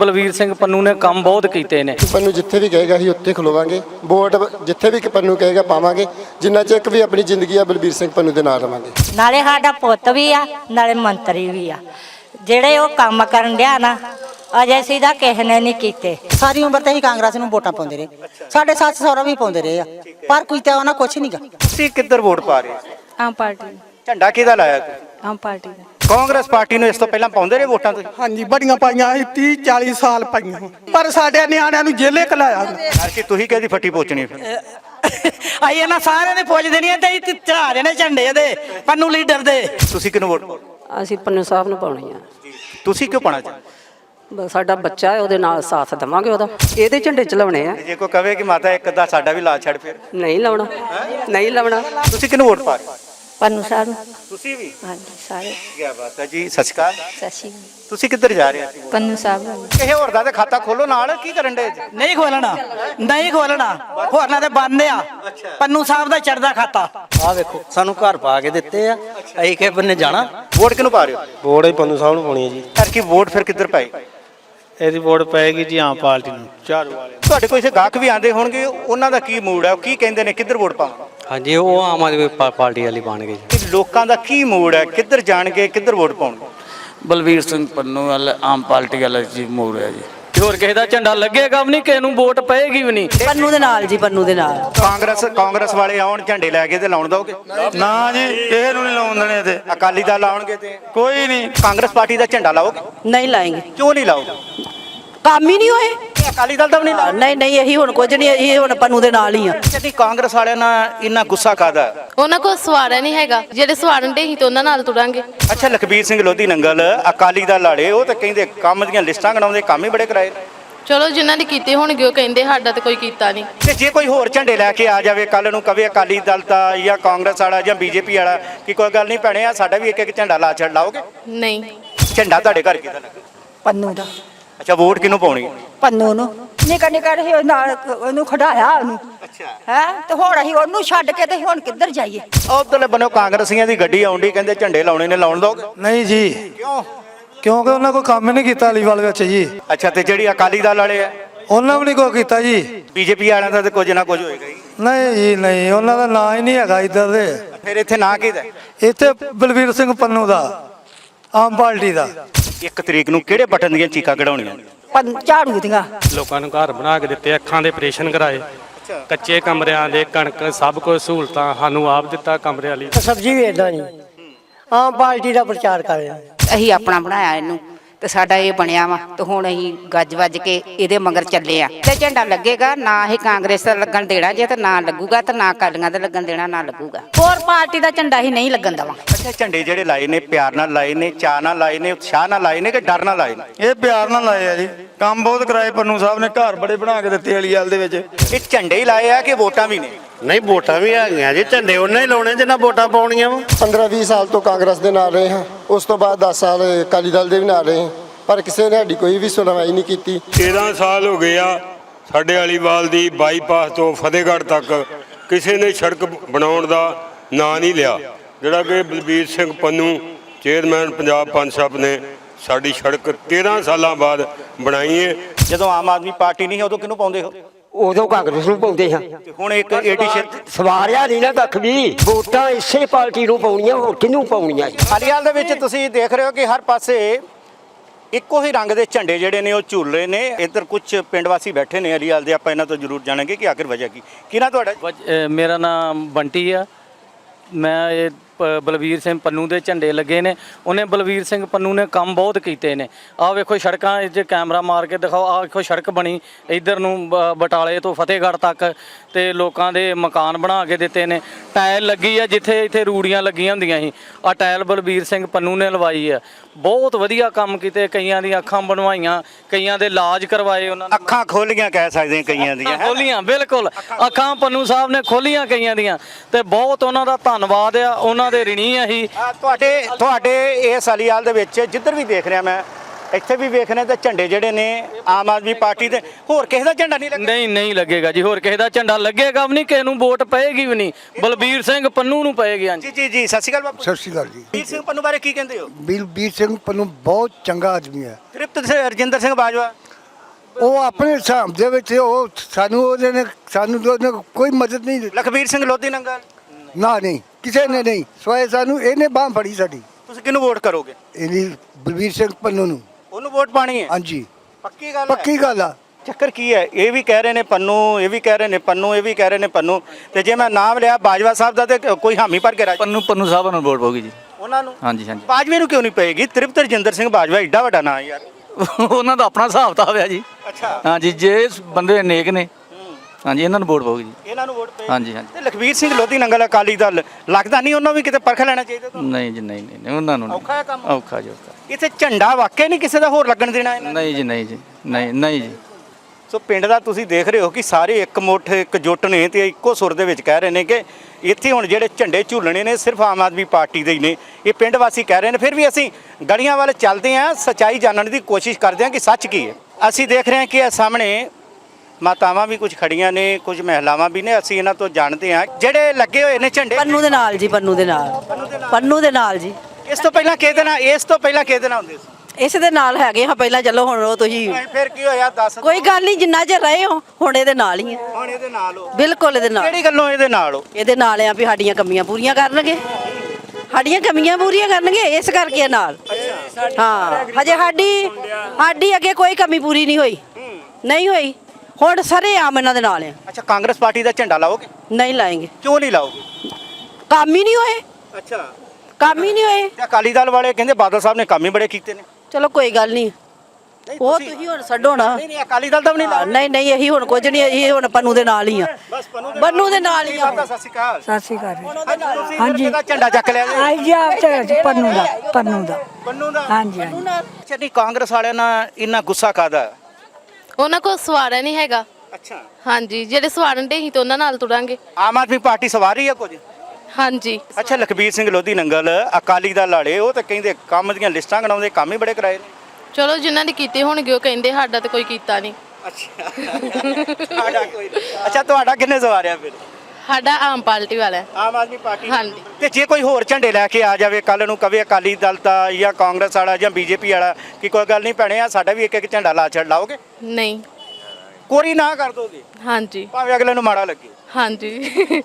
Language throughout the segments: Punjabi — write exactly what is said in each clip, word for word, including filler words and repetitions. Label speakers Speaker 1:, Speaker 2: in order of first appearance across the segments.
Speaker 1: ਬਲਵੀਰ ਸਿੰਘ ਪੰਨੂ ਨੇ ਕੰਮ ਬਹੁਤ ਕੀਤੇ ਨੇ।
Speaker 2: ਪੰਨੂ ਜਿੱਥੇ ਵੀ ਕਹੇਗਾ ਅਸੀਂ ਉੱਥੇ ਖਲੋਵਾਂਗੇ, ਵੋਟ ਜਿੱਥੇ ਵੀ ਪੰਨੂ ਕਹੇਗਾ ਪਾਵਾਂਗੇ, ਜਿੰਨਾ ਚਿਰ ਵੀ ਆਪਣੀ ਜ਼ਿੰਦਗੀ ਆ ਬਲਵੀਰ ਸਿੰਘ ਪੰਨੂ ਦੇ ਨਾਲ ਰਵਾਂਗੇ।
Speaker 3: ਨਾਲੇ ਸਾਡਾ ਪੁੱਤ ਵੀ ਆ, ਨਾਲੇ ਮੰਤਰੀ ਵੀ ਆ, ਜਿਹੜੇ ਉਹ ਕੰਮ ਕਰਨ ਡਿਆ ਨਾ ਅਜੇ ਸਿੱਧਾ ਕਿਸੇ ਨੇ ਨਹੀਂ ਕੀਤੇ।
Speaker 4: ਸਾਰੀ ਉਮਰ ਤੇ ਹੀ ਕਾਂਗਰਸ ਨੂੰ ਵੋਟਾਂ ਪਾਉਂਦੇ ਰਹੇ, ਸਾਡੇ ਸੱਸ ਸਹੁਰਾ ਵੀ ਪਾਉਂਦੇ ਰਹੇ ਆ, ਪਰ ਕੋਈ ਤਾਂ ਉਹਨਾਂ ਕੁਛ ਨਹੀਂਗਾ।
Speaker 5: ਤੁਸੀਂ ਕਿੱਧਰ ਵੋਟ ਪਾ ਰਹੇ?
Speaker 6: ਆਮ ਪਾਰਟੀ।
Speaker 5: ਝੰਡਾ ਕਿਹਦਾ ਲਾਇਆ?
Speaker 6: ਆਮ ਪਾਰਟੀ ਦਾ।
Speaker 5: ਕਾਂਗਰਸ ਪਾਰਟੀ ਨੂੰ ਇਸ ਤੋਂ ਪਹਿਲਾਂ ਪਾਉਂਦੇ ਰਹੇ ਵੋਟਾਂ ਤੁਸੀਂ?
Speaker 7: ਹਾਂਜੀ, ਬੜੀਆਂ ਪਾਈਆਂ ਸੀ, ਤੀਹ ਚਾਲੀ ਸਾਲ ਪਾਈਆਂ, ਪਰ ਸਾਡੇ ਨਿਆਣਿਆਂ ਨੂੰ ਜੇਲੇ ਕਲਾਇਆ।
Speaker 5: ਕਿ ਤੁਸੀਂ ਕਿਹਦੀ ਫੱਟੀ ਪੋਚਣੀ ਫਿਰ?
Speaker 4: ਆਈ ਇਹਨਾਂ ਸਾਰਿਆਂ ਨੇ ਪੁੱਛ ਦੇਣੀ ਤੇ ਚੜਾ ਦੇਣੇ ਝੰਡੇ ਦੇ ਪੰਨੂ ਲੀਡਰ ਦੇ।
Speaker 5: ਤੁਸੀਂ ਕਿਹਨੂੰ ਵੋਟ ਪਾਓ?
Speaker 8: ਅਸੀਂ ਪੰਨੂ ਸਾਹਿਬ ਨੂੰ ਪਾਉਣੀ ਆ।
Speaker 5: ਤੁਸੀਂ ਕਿਉਂ ਪਾਣਾ ਚਾਹੁੰਦੇ?
Speaker 8: ਬਸ ਸਾਡਾ ਬੱਚਾ ਹੈ, ਉਹਦੇ ਨਾਲ ਸਾਥ ਦੇਵਾਂਗੇ ਉਹਦਾ। ਇਹਦੇ ਝੰਡੇ ਚਲਾਉਣੇ ਆ।
Speaker 5: ਜੇ ਕੋਈ ਕਹੇ ਕਿ ਮਾਤਾ ਇੱਕ ਅੱਧਾ ਸਾਡਾ ਵੀ ਲਾ ਛੱਡ ਫਿਰ?
Speaker 8: ਨਹੀਂ ਲਾਉਣਾ, ਨਹੀਂ ਲਾਉਣਾ।
Speaker 5: ਤੁਸੀਂ ਕਿਹਨੂੰ ਵੋਟ ਪਾ ਰਹੇ?
Speaker 3: ਪੰਨੂ ਸਾਹਿਬ ਨੂੰ।
Speaker 5: ਤੁਸੀਂ ਵੀ?
Speaker 3: ਹਾਂਜੀ ਸਾਰੇ।
Speaker 5: ਕੀ ਬਾਤ ਹੈ ਜੀ। ਸਤਿ ਸ਼੍ਰੀ ਅਕਾਲ।
Speaker 3: ਸਤਿ ਸ਼੍ਰੀ ਅਕਾਲ।
Speaker 5: ਤੁਸੀਂ ਕਿੱਧਰ ਜਾ ਰਹੇ ਹੋ?
Speaker 6: ਪੰਨੂ ਸਾਹਿਬ ਦਾ।
Speaker 5: ਕਿਸੇ ਹੋਰ ਦਾ ਤੇ ਖਾਤਾ ਖੋਲੋ ਨਾਲ, ਕੀ ਕਰਨ ਦੇ?
Speaker 4: ਨਹੀਂ ਖੋਲਣਾ, ਨਹੀਂ ਖੋਲਣਾ, ਹੋਰਨਾਂ ਦੇ ਬੰਦ ਆ। ਪੰਨੂ ਸਾਹਿਬ ਦਾ ਚੜਦਾ ਖਾਤਾ।
Speaker 1: ਆਹ ਵੇਖੋ ਸਾਨੂੰ ਘਰ ਪਾ ਕੇ ਦਿੱਤੇ ਆ, ਅਸੀਂ ਕਿਸੇ ਬੰਨੇ ਜਾਣਾ।
Speaker 5: ਵੋਟ ਕਿਹਨੂੰ ਪਾ ਰਹੇ ਹੋ?
Speaker 2: ਵੋਟ ਹੀ ਪੰਨੂ ਸਾਹਿਬ ਨੂੰ ਪਾਉਣੀ ਹੈ ਜੀ।
Speaker 5: ਸਰ ਕੀ ਵੋਟ ਫਿਰ ਕਿੱਧਰ ਪਾਈ?
Speaker 1: ਇਹਦੀ ਵੋਟ ਪਏਗੀ ਜੀ ਆਮ ਪਾਰਟੀ ਨੂੰ, ਝਾੜੂ ਵਾਲੇ।
Speaker 5: ਤੁਹਾਡੇ ਕੋਈ ਇਸੇ ਗਾਹਕ ਵੀ ਆਂਦੇ ਹੋਣਗੇ, ਉਹਨਾਂ ਦਾ ਕੀ ਮੂਡ ਹੈ, ਉਹ ਕੀ ਕਹਿੰਦੇ ਨੇ ਕਿੱਧਰ ਵੋਟ ਪਾਵਾਂ?
Speaker 1: ਹਾਂਜੀ, ਉਹ ਆਮ ਆਦਮੀ ਪਾਰਟੀ ਵਾਲੀ ਬਣ ਗਈ ਜੀ।
Speaker 5: ਕਿ ਲੋਕਾਂ ਦਾ ਕੀ ਮੂਡ ਹੈ, ਕਿੱਧਰ ਜਾਣਗੇ, ਕਿੱਧਰ ਵੋਟ ਪਾਉਣਗੇ?
Speaker 1: ਬਲਵੀਰ ਸਿੰਘ ਪੰਨੂ ਵਾਲਾ ਆਮ ਪਾਰਟੀ ਵਾਲਾ ਜੀ ਮੂਡ ਹੈ ਜੀ। ਹੋਰ ਕਿਸੇ ਦਾ ਝੰਡਾ ਲੱਗੇਗਾ ਵੀ ਨਹੀਂ, ਕਿਸੇ ਨੂੰ ਵੋਟ ਪਏਗੀ ਵੀ ਨਹੀਂ।
Speaker 4: ਪੰਨੂ ਦੇ ਨਾਲ ਜੀ, ਪੰਨੂ ਦੇ ਨਾਲ।
Speaker 5: ਕਾਂਗਰਸ ਕਾਂਗਰਸ ਵਾਲੇ ਆਉਣ ਝੰਡੇ ਲੈ ਕੇ ਤੇ ਲਾਉਣ ਦੋਗੇ?
Speaker 1: ਨਾ ਜੀ, ਕਿਸੇ ਨੂੰ ਨਹੀਂ ਲਾਉਣ ਦੇਣੇ ਤੇ।
Speaker 5: ਅਕਾਲੀ ਦਲ ਆਉਣਗੇ ਤੇ
Speaker 1: ਕੋਈ ਨਹੀਂ।
Speaker 5: ਕਾਂਗਰਸ ਪਾਰਟੀ ਦਾ ਝੰਡਾ ਲਾਓਗੇ?
Speaker 4: ਨਹੀਂ ਲਾਏਂਗੇ,
Speaker 5: ਕਿਉਂ ਨਹੀਂ ਲਾਓਗੇ?
Speaker 4: ਕੰਮ ਹੀ ਨਹੀਂ ਹੋਏ।
Speaker 5: ਅਕਾਲੀ ਦਲ ਦਾ ਵੀ ਨਹੀਂ ਲਾਓ?
Speaker 4: ਨਹੀਂ ਨਹੀਂ, ਇਹੀ ਹੁਣ ਕੁਝ ਨਹੀਂ, ਇਹੀ ਹੁਣ ਪੰਨੂ ਦੇ ਨਾਲ ਹੀ ਆ।
Speaker 5: ਜਿਹੜੀ ਕਾਂਗਰਸ ਵਾਲਿਆਂ ਨਾਲ ਇੰਨਾ ਗੁੱਸਾ ਕਾਦਾ?
Speaker 6: ਉਹਨਾਂ ਕੋਲ ਸਵਾਰਾ ਨਹੀਂ ਹੈਗਾ, ਜਿਹੜੇ ਸਵਾਰਨ ਦੇ ਹੀ ਤੇ ਉਹਨਾਂ ਨਾਲ ਤੁਰਾਂਗੇ।
Speaker 5: ਅੱਛਾ, ਲਖਬੀਰ ਸਿੰਘ ਲੋਧੀ ਨੰਗਲ ਅਕਾਲੀ ਦਲ ਵਾਲੇ, ਉਹ ਤਾਂ ਕਹਿੰਦੇ ਕੰਮ ਦੀਆਂ ਲਿਸਟਾਂ ਗਣਾਉਂਦੇ, ਕੰਮ ਹੀ ਬੜੇ ਕਰਾਏ।
Speaker 6: ਚਲੋ ਜਿਨ੍ਹਾਂ ਨੇ ਕੀਤੇ ਹੋਣਗੇ ਉਹ ਕਹਿੰਦੇ, ਸਾਡਾ ਤੇ ਕੋਈ ਕੀਤਾ ਨਹੀਂ।
Speaker 5: ਤੇ ਜੇ ਕੋਈ ਹੋਰ ਝੰਡੇ ਲੈ ਕੇ ਆ ਜਾਵੇ ਕੱਲ ਨੂੰ, ਕਵੇ ਅਕਾਲੀ ਦਲ ਦਾ ਜਾਂ ਕਾਂਗਰਸ ਵਾਲਾ ਜਾਂ ਬੀਜੇਪੀ ਵਾਲਾ ਕਿ ਕੋਈ ਗੱਲ ਨਹੀਂ ਭੈਣੇ ਆ ਸਾਡਾ ਵੀ ਇੱਕ ਇੱਕ ਝੰਡਾ ਲਾ ਛੱਡ, ਲਾਓਗੇ?
Speaker 6: ਨਹੀਂ।
Speaker 5: ਝੰਡਾ ਤੁਹਾਡੇ ਘਰ ਕਿਹਦਾ ਲੱਗਾ?
Speaker 4: ਪੰਨੂ ਦਾ।
Speaker 5: ਅੱਛਾ, ਵੋਟ ਕਿਹਨੂੰ ਪਾਉਣੀ?
Speaker 4: ਪੰਨੂ ਨੂੰ। ਨਿੱਕਾ ਨਿੱਕਾ ਸੀ ਨਾਲ ਉਹਨੂੰ ਖੜਾਇਆ ਉਹਨੂੰ।
Speaker 5: ਅੱਛਾ
Speaker 4: ਹੈ ਤੇ ਹੁਣ ਅਸੀਂ ਉਹਨੂੰ ਛੱਡ ਕੇ ਤੇ ਹੁਣ ਕਿੱਧਰ ਜਾਈਏ?
Speaker 5: ਉਧਰਲੇ ਬੰਨੋਂ ਕਾਂਗਰਸੀਆਂ ਦੀ ਗੱਡੀ ਆਉਂਦੀ, ਕਹਿੰਦੇ ਝੰਡੇ ਲਾਉਣੇ ਨੇ, ਲਾਉਣ ਦੋਗੇ?
Speaker 9: ਨਹੀਂ ਜੀ,
Speaker 5: ਕਿਉਂ?
Speaker 9: ਕਿਉਂਕਿ ਉਹਨਾਂ ਕੋਈ ਕੰਮ ਹੀ ਨਹੀਂ ਕੀਤਾ ਅਲੀਵਾਲ ਵਿੱਚ ਜੀ।
Speaker 5: ਅੱਛਾ, ਤੇ ਜਿਹੜੀ ਅਕਾਲੀ ਦਲ ਵਾਲੇ ਆ
Speaker 9: ਉਹਨਾਂ ਵੀ ਨਹੀਂ ਕੋਈ ਕੀਤਾ ਜੀ।
Speaker 5: ਬੀਜੇਪੀ ਵਾਲਿਆਂ ਦਾ ਤੇ ਕੁਝ ਨਾ ਕੁਝ ਹੋਏਗਾ ਹੀ।
Speaker 9: ਨਹੀਂ ਜੀ ਨਹੀਂ, ਉਹਨਾਂ ਦਾ ਨਾਂ ਹੀ ਨਹੀਂ ਹੈਗਾ ਇੱਧਰ ਦੇ।
Speaker 5: ਫਿਰ ਇੱਥੇ ਨਾਂ ਕਿਹਦਾ?
Speaker 9: ਇੱਥੇ ਬਲਵੀਰ ਸਿੰਘ ਪੰਨੂ ਦਾ, ਆਮ ਪਾਰਟੀ ਦਾ।
Speaker 5: ਇੱਕ ਤਰੀਕ ਨੂੰ ਕਿਹੜੇ ਬਟਨ ਦੀਆਂ ਚੀਕਾਂ ਕਢਾਉਣੀਆਂ?
Speaker 4: ਝਾੜੂ ਦੀਆਂ।
Speaker 1: ਲੋਕਾਂ ਨੂੰ ਘਰ ਬਣਾ ਕੇ ਦਿੱਤੇ, ਅੱਖਾਂ ਦੇ ਆਪਰੇਸ਼ਨ ਕਰਾਏ, ਕੱਚੇ ਕਮਰਿਆਂ ਦੇ, ਕਣਕ ਸਭ ਕੁਝ ਸਹੂਲਤਾਂ ਸਾਨੂੰ ਆਪ ਦਿੱਤਾ ਕਮਰੇ ਵਾਲੀ।
Speaker 4: ਸਬਜ਼ੀ ਵੇਚਦਾ ਨਹੀਂ, ਆਮ ਪਾਰਟੀ ਦਾ ਪ੍ਰਚਾਰ ਕਰ ਰਿਹਾ।
Speaker 10: ਅਸੀਂ ਆਪਣਾ ਬਣਾਇਆ ਇਹਨੂੰ ਤੇ ਸਾਡਾ ਇਹ ਬਣਿਆ ਵਾ, ਤੇ ਹੁਣ ਅਸੀਂ ਗੱਜ ਵੱਜ ਕੇ ਇਹਦੇ ਮਗਰ ਚੱਲੇ ਆ। ਤੇ ਝੰਡਾ ਲੱਗੇਗਾ ਨਾ, ਇਹ ਕਾਂਗਰਸ ਦਾ ਲੱਗਣ ਦੇਣਾ ਜੇ, ਤੇ ਨਾ ਲੱਗੂਗਾ, ਤੇ ਨਾ ਅਕਾਲੀਆਂ ਦਾ ਲੱਗਣ ਦੇਣਾ, ਨਾ ਲੱਗੂਗਾ। ਹੋਰ ਪਾਰਟੀ ਦਾ ਝੰਡਾ ਹੀ ਨਹੀਂ ਲੱਗਣ ਦੇਵਾਂ।
Speaker 5: ਅੱਛਾ, ਝੰਡੇ ਜਿਹੜੇ ਲਾਏ ਨੇ ਪਿਆਰ ਨਾਲ ਲਾਏ ਨੇ, ਚਾਅ ਨਾਲ ਲਾਏ ਨੇ, ਉਤਸ਼ਾਹ ਨਾਲ ਲਾਏ ਨੇ ਕਿ ਡਰ ਨਾਲ ਲਾਏ ਨੇ?
Speaker 9: ਇਹ ਪਿਆਰ ਨਾਲ ਲਾਏ ਆ ਜੀ, ਕੰਮ ਬਹੁਤ ਕਰਾਏ ਪੰਨੂ ਸਾਹਿਬ ਨੇ, ਘਰ ਬੜੇ ਬਣਾ ਕੇ ਦਿੱਤੇ ਅਲੀਵਾਲ ਦੇ ਵਿੱਚ।
Speaker 5: ਇਹ ਝੰਡੇ ਹੀ ਲਾਏ ਆ ਕਿ ਵੋਟਾਂ ਵੀ ਨੇ?
Speaker 1: ਨਹੀਂ, ਵੋਟਾਂ ਵੀ ਹੈਗੀਆਂ ਜੀ, ਝੰਡੇ ਉਹਨਾਂ ਹੀ ਲਾਉਣੇ ਜਿੰਨਾ ਵੋਟਾਂ ਪਾਉਣੀਆਂ ਵਾ।
Speaker 2: ਪੰਦਰਾਂ ਵੀਹ ਸਾਲ ਤੋਂ ਕਾਂਗਰਸ ਦੇ ਨਾਲ ਰਹੇ ਹਾਂ, ਉਸ ਤੋਂ ਬਾਅਦ ਦਸ ਸਾਲ ਅਕਾਲੀ ਦਲ ਦੇ ਵੀ ਨਾਲ ਰਹੇ, ਪਰ ਕਿਸੇ ਨੇ ਸਾਡੀ ਕੋਈ ਵੀ ਸੁਣਵਾਈ ਨਹੀਂ ਕੀਤੀ।
Speaker 11: ਤੇਰਾਂ ਸਾਲ ਹੋ ਗਏ ਆ ਸਾਡੇ ਅਲੀਵਾਲ ਦੀ ਬਾਈਪਾਸ ਤੋਂ ਫਤਿਹਗੜ੍ਹ ਤੱਕ ਕਿਸੇ ਨੇ ਸੜਕ ਬਣਾਉਣ ਦਾ ਨਾਂ ਨਹੀਂ ਲਿਆ, ਜਿਹੜਾ ਕਿ ਬਲਬੀਰ ਸਿੰਘ ਪੰਨੂ ਚੇਅਰਮੈਨ ਪੰਜਾਬ ਪੰਜ ਸਾਹਿਬ ਨੇ ਸਾਡੀ ਸੜਕ ਤੇਰਾਂ ਸਾਲਾਂ ਬਾਅਦ ਬਣਾਈ ਹੈ।
Speaker 5: ਜਦੋਂ ਆਮ ਆਦਮੀ ਪਾਰਟੀ ਨਹੀਂ ਉਦੋਂ ਕਿਹਨੂੰ ਪਾਉਂਦੇ ਹੋ?
Speaker 4: ਉਦੋਂ ਕਾਂਗਰਸ ਨੂੰ ਪਾਉਂਦੇ ਹਾਂ।
Speaker 5: ਹੁਣ ਇੱਕ ਏਡੀਸ਼ਨ
Speaker 4: ਸਵਾਰਿਆ ਨਹੀਂ ਨਾ ਕੱਖ ਵੀ, ਵੋਟਾਂ ਇਸੇ ਪਾਰਟੀ ਨੂੰ ਪਾਉਣੀਆਂ, ਹੋਰ ਕਿਹਨੂੰ ਪਾਉਣੀਆਂ?
Speaker 5: ਅਲੀਵਾਲ ਦੇ ਵਿੱਚ ਤੁਸੀਂ ਦੇਖ ਰਹੇ ਹੋ ਕਿ ਹਰ ਪਾਸੇ ਇੱਕੋ ਹੀ ਰੰਗ ਦੇ ਝੰਡੇ ਜਿਹੜੇ ਨੇ ਉਹ ਝੂਲ ਰਹੇ ਨੇ। ਇੱਧਰ ਕੁਝ ਪਿੰਡ ਵਾਸੀ ਬੈਠੇ ਨੇ ਅਲੀਵਾਲ ਦੇ, ਆਪਾਂ ਇਹਨਾਂ ਤੋਂ ਜ਼ਰੂਰ ਜਾਣਾਂਗੇ ਕਿ ਆਖਿਰ ਵਜ੍ਹਾ ਕੀ। ਕੀ ਨਾ ਤੁਹਾਡਾ?
Speaker 1: ਮੇਰਾ ਨਾਮ ਬੰਟੀ ਆ। ਮੈਂ ਇਹ ਬਲਵੀਰ ਸਿੰਘ ਪੰਨੂ ਦੇ ਝੰਡੇ ਲੱਗੇ ਨੇ। ਉਹਨੇ ਬਲਵੀਰ ਸਿੰਘ ਪੰਨੂ ਨੇ ਕੰਮ ਬਹੁਤ ਕੀਤੇ ਨੇ। ਆਹ ਵੇਖੋ ਸੜਕਾਂ, ਜੇ ਕੈਮਰਾ ਮਾਰ ਕੇ ਦਿਖਾਓ, ਆਹ ਵੇਖੋ ਸੜਕ ਬਣੀ ਇੱਧਰ ਨੂੰ ਬਟਾਲੇ ਤੋਂ ਫਤਿਹਗੜ੍ਹ ਤੱਕ, ਤੇ ਲੋਕਾਂ ਦੇ ਮਕਾਨ ਬਣਾ ਕੇ ਦਿੱਤੇ ਨੇ। ਟਾਇਲ ਲੱਗੀ ਆ ਜਿੱਥੇ ਇੱਥੇ ਰੂੜੀਆਂ ਲੱਗੀਆਂ ਹੁੰਦੀਆਂ ਸੀ, ਆਹ ਟਾਇਲ ਬਲਵੀਰ ਸਿੰਘ ਪੰਨੂ ਨੇ ਲਵਾਈ ਆ। ਬਹੁਤ ਵਧੀਆ ਕੰਮ ਕੀਤੇ, ਕਈਆਂ ਦੀਆਂ ਅੱਖਾਂ ਬਣਵਾਈਆਂ, ਕਈਆਂ ਦੇ ਇਲਾਜ ਕਰਵਾਏ ਉਹਨਾਂ ਨੇ।
Speaker 5: ਅੱਖਾਂ ਖੋਲੀਆਂ ਕਹਿ ਸਕਦੇ ਹਾਂ ਕਈਆਂ ਦੀਆਂ।
Speaker 1: ਖੋਲੀਆਂ, ਬਿਲਕੁਲ ਅੱਖਾਂ ਪੰਨੂ ਸਾਹਿਬ ਨੇ ਖੋਲੀਆਂ ਕਈਆਂ ਦੀਆਂ, ਤੇ ਬਹੁਤ ਉਹਨਾਂ ਦਾ ਧੰਨਵਾਦ ਆ, ਉਹਨਾਂ ਦੇ ਰਿਣੀ ਆ ਹੀ।
Speaker 5: ਤੁਹਾਡੇ ਤੁਹਾਡੇ ਇਸ ਅਲੀਵਾਲ ਦੇ ਵਿੱਚ ਜਿੱਧਰ ਵੀ ਦੇਖ ਰਿਹਾ ਮੈਂ, ਇੱਥੇ ਵੀ ਵੇਖ ਰਹੇ ਤਾਂ ਝੰਡੇ ਜਿਹੜੇ ਨੇ ਆਮ ਆਦਮੀ ਪਾਰਟੀ ਦੇ, ਹੋਰ ਕਿਸੇ ਦਾ ਝੰਡਾ ਨਹੀਂ ਲੱਗਾ?
Speaker 1: ਨਹੀਂ ਨਹੀਂ ਲੱਗੇਗਾ ਜੀ, ਹੋਰ ਕਿਸੇ ਦਾ ਝੰਡਾ ਲੱਗੇਗਾ ਵੀ ਨਹੀਂ, ਕਿਸੇ ਨੂੰ ਵੋਟ ਪਏਗੀ ਵੀ ਨਹੀਂ, ਬਲਬੀਰ ਸਿੰਘ ਪੰਨੂ ਨੂੰ ਪਏਗੀ।
Speaker 5: ਜੀ ਜੀ ਜੀ, ਸਤਿ ਸ਼੍ਰੀ ਅਕਾਲ ਬਾਪੂ।
Speaker 9: ਸਤਿ ਸ਼੍ਰੀ ਅਕਾਲ ਜੀ।
Speaker 5: ਬਲਬੀਰ ਸਿੰਘ ਪੰਨੂ ਬਾਰੇ ਕੀ ਕਹਿੰਦੇ ਹੋ?
Speaker 9: ਬਲਬੀਰ ਸਿੰਘ ਪੰਨੂ ਬਹੁਤ ਚੰਗਾ ਆਦਮੀ ਹੈ।
Speaker 5: ਤ੍ਰਿਪਤ ਸਿੰਘ, ਰਜਿੰਦਰ ਸਿੰਘ ਬਾਜਵਾ?
Speaker 7: ਉਹ ਆਪਣੇ ਹਿਸਾਬ ਦੇ ਵਿੱਚ ਉਹ ਸਾਨੂੰ ਉਹਦੇ ਨੇ ਸਾਨੂੰ ਤਾਂ ਉਹਨੇ ਕੋਈ ਮਦਦ ਨਹੀਂ ਦਿੱਤੀ।
Speaker 5: ਲਖਬੀਰ ਸਿੰਘ ਲੋਧੀ ਨੰਗਲ
Speaker 7: ਨਾ ਨਹੀਂ ਕਿਸੇ ਨੇ ਨਹੀਂ ਸੋਏ ਸਾਨੂੰ ਇਹਨੇ ਬਾਂਹ ਫੜੀ ਸਾਡੀ।
Speaker 5: ਤੁਸੀਂ ਕਿਹਨੂੰ ਵੋਟ ਕਰੋਗੇ?
Speaker 7: ਇਹਦੀ ਬਲਬੀਰ ਸਿੰਘ ਪੰਨੂ ਨੂੰ।
Speaker 5: ਉਹਨੂੰ ਵੋਟ ਪਾਣੀ ਹੈ?
Speaker 7: ਹਾਂਜੀ
Speaker 5: ਪੱਕੀ ਗੱਲ ਹੈ?
Speaker 7: ਪੱਕੀ ਗੱਲ ਆ।
Speaker 5: ਚੱਕਰ ਕੀ ਹੈ, ਇਹ ਵੀ ਕਹਿ ਰਹੇ ਨੇ ਪੰਨੂ, ਇਹ ਵੀ ਕਹਿ ਰਹੇ ਨੇ ਪੰਨੂ, ਇਹ ਵੀ ਕਹਿ ਰਹੇ ਨੇ ਪੰਨੂ, ਤੇ ਜੇ ਮੈਂ ਨਾਮ ਲਿਆ ਬਾਜਵਾ ਸਾਹਿਬ ਦਾ ਤੇ ਕੋਈ ਹਾਮੀ ਭਰ ਕੇ ਰਾਜੀ?
Speaker 1: ਪੰਨੂ ਪੰਨੂ ਸਾਹਿਬ ਨੂੰ ਵੋਟ ਪਾਉਗੀ ਜੀ।
Speaker 5: ਉਹਨਾਂ ਨੂੰ?
Speaker 1: ਹਾਂਜੀ ਹਾਂਜੀ।
Speaker 5: ਬਾਜਵੇ ਨੂੰ ਕਿਉਂ ਨਹੀਂ ਪਏਗੀ? ਤ੍ਰਿਪਤ ਰਜਿੰਦਰ ਸਿੰਘ ਬਾਜਵਾ ਏਡਾ ਵੱਡਾ ਨਾਂ ਯਾਰ।
Speaker 1: ਉਹਨਾਂ ਦਾ ਆਪਣਾ ਹਿਸਾਬ ਤਾਂ ਹੋਇਆ ਜੀ।
Speaker 5: ਅੱਛਾ।
Speaker 1: ਹਾਂਜੀ, ਜੇ ਬੰਦੇ ਨੇਕ ਨੇ ਹਾਂਜੀ ਇਹਨਾਂ ਨੂੰ ਵੋਟ ਪਾਉਗੀ ਜੀ।
Speaker 5: ਇਹਨਾਂ ਨੂੰ ਵੋਟ ਪਏਗੀ?
Speaker 1: ਹਾਂਜੀ ਹਾਂਜੀ।
Speaker 5: ਤੇ ਲਖਬੀਰ ਸਿੰਘ ਲੋਧੀ ਨੰਗਲ ਅਕਾਲੀ ਦਲ ਲੱਗਦਾ ਨਹੀਂ ਉਹਨਾਂ ਵੀ ਕਿਤੇ ਪਰਖ ਲੈਣਾ ਚਾਹੀਦਾ ਤੁਹਾਨੂੰ?
Speaker 1: ਨਹੀਂ ਜੀ ਨਹੀਂ ਨਹੀਂ ਉਹਨਾਂ ਨੂੰ ਨਹੀਂ।
Speaker 5: ਔਖਾ ਹੈ ਕੰਮ?
Speaker 1: ਔਖਾ ਜੀ ਔਖਾ।
Speaker 5: ਇੱਥੇ ਝੰਡਾ ਵਾਕਿਆ ਨਹੀਂ ਕਿਸੇ ਦਾ ਹੋਰ ਲੱਗਣ ਦੇਣਾ ਇਹਨਾਂ ਨੇ?
Speaker 1: ਨਹੀਂ ਜੀ ਨਹੀਂ ਜੀ ਨਹੀਂ ਨਹੀਂ ਜੀ।
Speaker 5: ਸੋ ਪਿੰਡ ਦਾ ਤੁਸੀਂ ਦੇਖ ਰਹੇ ਹੋ ਕਿ ਸਾਰੇ ਇੱਕ ਮੁੱਠ ਇੱਕ ਜੁੱਟ ਨੇ ਤੇ ਇੱਕੋ ਸੁਰ ਦੇ ਵਿੱਚ ਕਹਿ ਰਹੇ ਨੇ ਕਿ ਇੱਥੇ ਹੁਣ ਜਿਹੜੇ ਝੰਡੇ ਝੂਲਣੇ ਨੇ ਸਿਰਫ ਆਮ ਆਦਮੀ ਪਾਰਟੀ ਦੇ ਹੀ ਨੇ। ਇਹ ਪਿੰਡ ਵਾਸੀ ਕਹਿ ਰਹੇ ਨੇ। ਫਿਰ ਵੀ ਅਸੀਂ ਗਲੀਆਂ ਵੱਲ ਚੱਲਦੇ ਹਾਂ, ਸੱਚਾਈ ਜਾਣਨ ਦੀ ਕੋਸ਼ਿਸ਼ ਕਰਦੇ ਹਾਂ ਕਿ ਸੱਚ ਕੀ ਹੈ। ਅਸੀਂ ਦੇਖ ਰਹੇ ਹਾਂ ਕਿ ਇਹ ਸਾਹਮਣੇ ਮਾਤਾਵਾਂ ਵੀ ਕੁਝ ਖੜੀਆਂ ਨੇ, ਕੁਝ ਮਹਿਲਾਵਾਂ ਵੀ ਨੇ। ਅਸੀਂ ਇਹਨਾਂ ਤੋਂ ਜਾਣਦੇ ਹਾਂ ਜਿਹੜੇ ਲੱਗੇ ਹੋਏ ਨੇ ਝੰਡੇ।
Speaker 8: ਪੰਨੂ ਦੇ ਨਾਲ ਜੀ, ਪੰਨੂ ਦੇ ਨਾਲ, ਪੰਨੂ ਦੇ ਨਾਲ ਜੀ।
Speaker 5: ਇਸ ਤੋਂ ਪਹਿਲਾਂ ਕਿਹਦੇ ਨਾਲ ਇਸ ਤੋਂ ਪਹਿਲਾਂ ਕਿਹਦੇ ਨਾਲ ਹੁੰਦੇ ਸੀ?
Speaker 8: ਇਸ ਦੇ ਨਾਲ ਹੈਗੇ ਹਾਂ ਪਹਿਲਾਂ। ਚਲੋ ਹੁਣ ਉਹ ਤੁਸੀਂ
Speaker 5: ਫਿਰ ਕੀ ਹੋਇਆ ਦੱਸ?
Speaker 8: ਕੋਈ ਗੱਲ ਨਹੀਂ, ਜਿੰਨਾ ਚਿਰ ਰਹੇ ਹੋ ਹੁਣ ਇਹਦੇ ਨਾਲ ਹੀ ਆ।
Speaker 5: ਹੁਣ ਇਹਦੇ ਨਾਲ ਹੋ?
Speaker 8: ਬਿਲਕੁਲ ਇਹਦੇ ਨਾਲ।
Speaker 5: ਕਿਹੜੀ ਗੱਲੋਂ ਇਹਦੇ ਨਾਲ ਹੋ?
Speaker 8: ਇਹਦੇ ਨਾਲ ਆ ਵੀ ਸਾਡੀਆਂ ਕਮੀਆਂ ਪੂਰੀਆਂ ਕਰਨਗੇ, ਸਾਡੀਆਂ ਕਮੀਆਂ ਪੂਰੀਆਂ ਕਰਨਗੇ ਇਸ ਕਰਕੇ ਨਾਲ। ਹਾਂ, ਹਜੇ ਸਾਡੀ ਸਾਡੀ ਅੱਗੇ ਕੋਈ ਕਮੀ ਪੂਰੀ ਨਹੀਂ ਹੋਈ, ਨਹੀਂ ਹੋਈ। ਹੁਣ ਸਾਰੇ ਆਮ ਇਹਨਾਂ ਦੇ ਨਾਲ ਆ।
Speaker 5: ਅੱਛਾ, ਕਾਂਗਰਸ ਪਾਰਟੀ ਦਾ ਝੰਡਾ ਲਾਓਗੇ?
Speaker 8: ਨਹੀਂ ਲਾਏਂਗੇ।
Speaker 5: ਕਿਉਂ ਨਹੀਂ ਲਾਓਗੇ?
Speaker 8: ਕੰਮ ਹੀ ਨਹੀਂ ਹੋਏ,
Speaker 5: ਅੱਛਾ,
Speaker 8: ਕੰਮ ਹੀ ਨਹੀਂ ਹੋਏ।
Speaker 5: ਤੇ ਅਕਾਲੀ ਦਲ ਵਾਲੇ ਕਹਿੰਦੇ ਬਾਦਲ ਸਾਹਿਬ ਨੇ ਕੰਮ ਹੀ ਬੜੇ ਕੀਤੇ ਨੇ।
Speaker 8: ਚਲੋ ਕੋਈ ਗੱਲ ਨਹੀਂ, ਉਹ ਤੁਸੀਂ ਹੁਣ ਛੱਡੋ ਨਾ।
Speaker 5: ਨਹੀਂ ਨਹੀਂ, ਅਕਾਲੀ ਦਲ ਦਾ ਵੀ ਨਹੀਂ ਲਾ।
Speaker 8: ਨਹੀਂ ਨਹੀਂ, ਇਹੀ ਹੁਣ ਕੁਝ ਨਹੀਂ, ਇਹੀ ਹੁਣ ਪੰਨੂ ਦੇ ਨਾਲ ਹੀ ਆ। ਪੰਨੂ ਦੇ ਨਾਲ ਹੀ ਆ।
Speaker 5: ਸਤਿ ਸ਼੍ਰੀ ਅਕਾਲ।
Speaker 12: ਸਤਿ ਸ਼੍ਰੀ ਅਕਾਲ
Speaker 5: ਹਾਂਜੀ ਹਾਂਜੀ। ਝੰਡਾ ਚੱਕ ਲਿਆ ਜੀ।
Speaker 12: ਆਈ ਜੀ ਆਪ ਤੇ ਪੰਨੂ ਦਾ ਪੰਨੂ ਦਾ
Speaker 5: ਪੰਨੂ ਦਾ?
Speaker 12: ਹਾਂਜੀ ਹਾਂਜੀ।
Speaker 5: ਅੱਛਾ, ਨਹੀਂ ਕਾਂਗਰਸ ਵਾਲਿਆਂ ਨਾਲ ਇੰਨਾ ਗੁੱਸਾ ਕਾਹਦਾ?
Speaker 6: ਉਹਨਾਂ ਕੋਲ ਸਵਾਰਾ ਨਹੀਂ ਹੈਗਾ।
Speaker 5: ਅੱਛਾ।
Speaker 6: ਹਾਂਜੀ, ਜਿਹੜੇ ਸਵਾਰਨ ਦੇ ਹੀ ਤਾਂ ਉਹਨਾਂ ਨਾਲ ਤੁਰਾਂਗੇ।
Speaker 5: ਆਮ ਆਦਮੀ ਪਾਰਟੀ ਸਵਾਰੀ ਆ ਕੁਝ?
Speaker 6: ਹਾਂਜੀ।
Speaker 5: ਅੱਛਾ, ਲਖਬੀਰ ਸਿੰਘ ਲੋਧੀ ਨੰਗਲ ਅਕਾਲੀ ਦਲ ਵਾਲੇ ਉਹ ਤਾਂ ਕਹਿੰਦੇ ਕੰਮ ਦੀਆਂ ਲਿਸਟਾਂ ਗਣਾਉਂਦੇ, ਕੰਮ ਹੀ ਬੜੇ ਕਰਾਏ ਨੇ।
Speaker 6: ਚਲੋ ਜਿਨ੍ਹਾਂ ਨੇ ਕੀਤੇ ਹੋਣਗੇ ਉਹ ਕਹਿੰਦੇ, ਸਾਡਾ ਤਾਂ ਕੋਈ ਕੀਤਾ ਨਹੀਂ।
Speaker 5: ਅੱਛਾ, ਤੁਹਾਡਾ ਕੋਈ ਅੱਛਾ ਤੁਹਾਡਾ ਕਿੰਨੇ ਸਵਾਰਿਆ ਫਿਰ?
Speaker 6: ਸਾਡਾ ਆਮ ਪਾਰਟੀ ਵਾਲਾ ਹੈ।
Speaker 5: ਆਮ ਆਦਮੀ ਪਾਰਟੀ?
Speaker 6: ਹਾਂਜੀ।
Speaker 5: ਤੇ ਜੇ ਕੋਈ ਹੋਰ ਝੰਡੇ ਲੈ ਕੇ ਆ ਜਾਵੇ ਕੱਲ ਨੂੰ, ਕਵੇ ਅਕਾਲੀ ਦਲ ਦਾ ਜਾਂ ਕਾਂਗਰਸ ਵਾਲਾ ਜਾਂ ਬੀਜੇਪੀ ਵਾਲਾ ਕਿ ਕੋਈ ਗੱਲ ਨਹੀਂ ਭੈਣੇ ਆ ਸਾਡਾ ਵੀ ਇੱਕ ਇੱਕ ਝੰਡਾ ਲਾ ਛੱਡ, ਲਾਓਗੇ?
Speaker 6: ਨਹੀਂ।
Speaker 5: ਕੋਰੀ ਨਾ ਕਰ ਦੋਗੇ?
Speaker 6: ਹਾਂਜੀ
Speaker 5: ਭਾਵੇਂ ਅਗਲੇ ਨੂੰ ਮਾੜਾ ਲੱਗੇ।
Speaker 6: ਹਾਂਜੀ।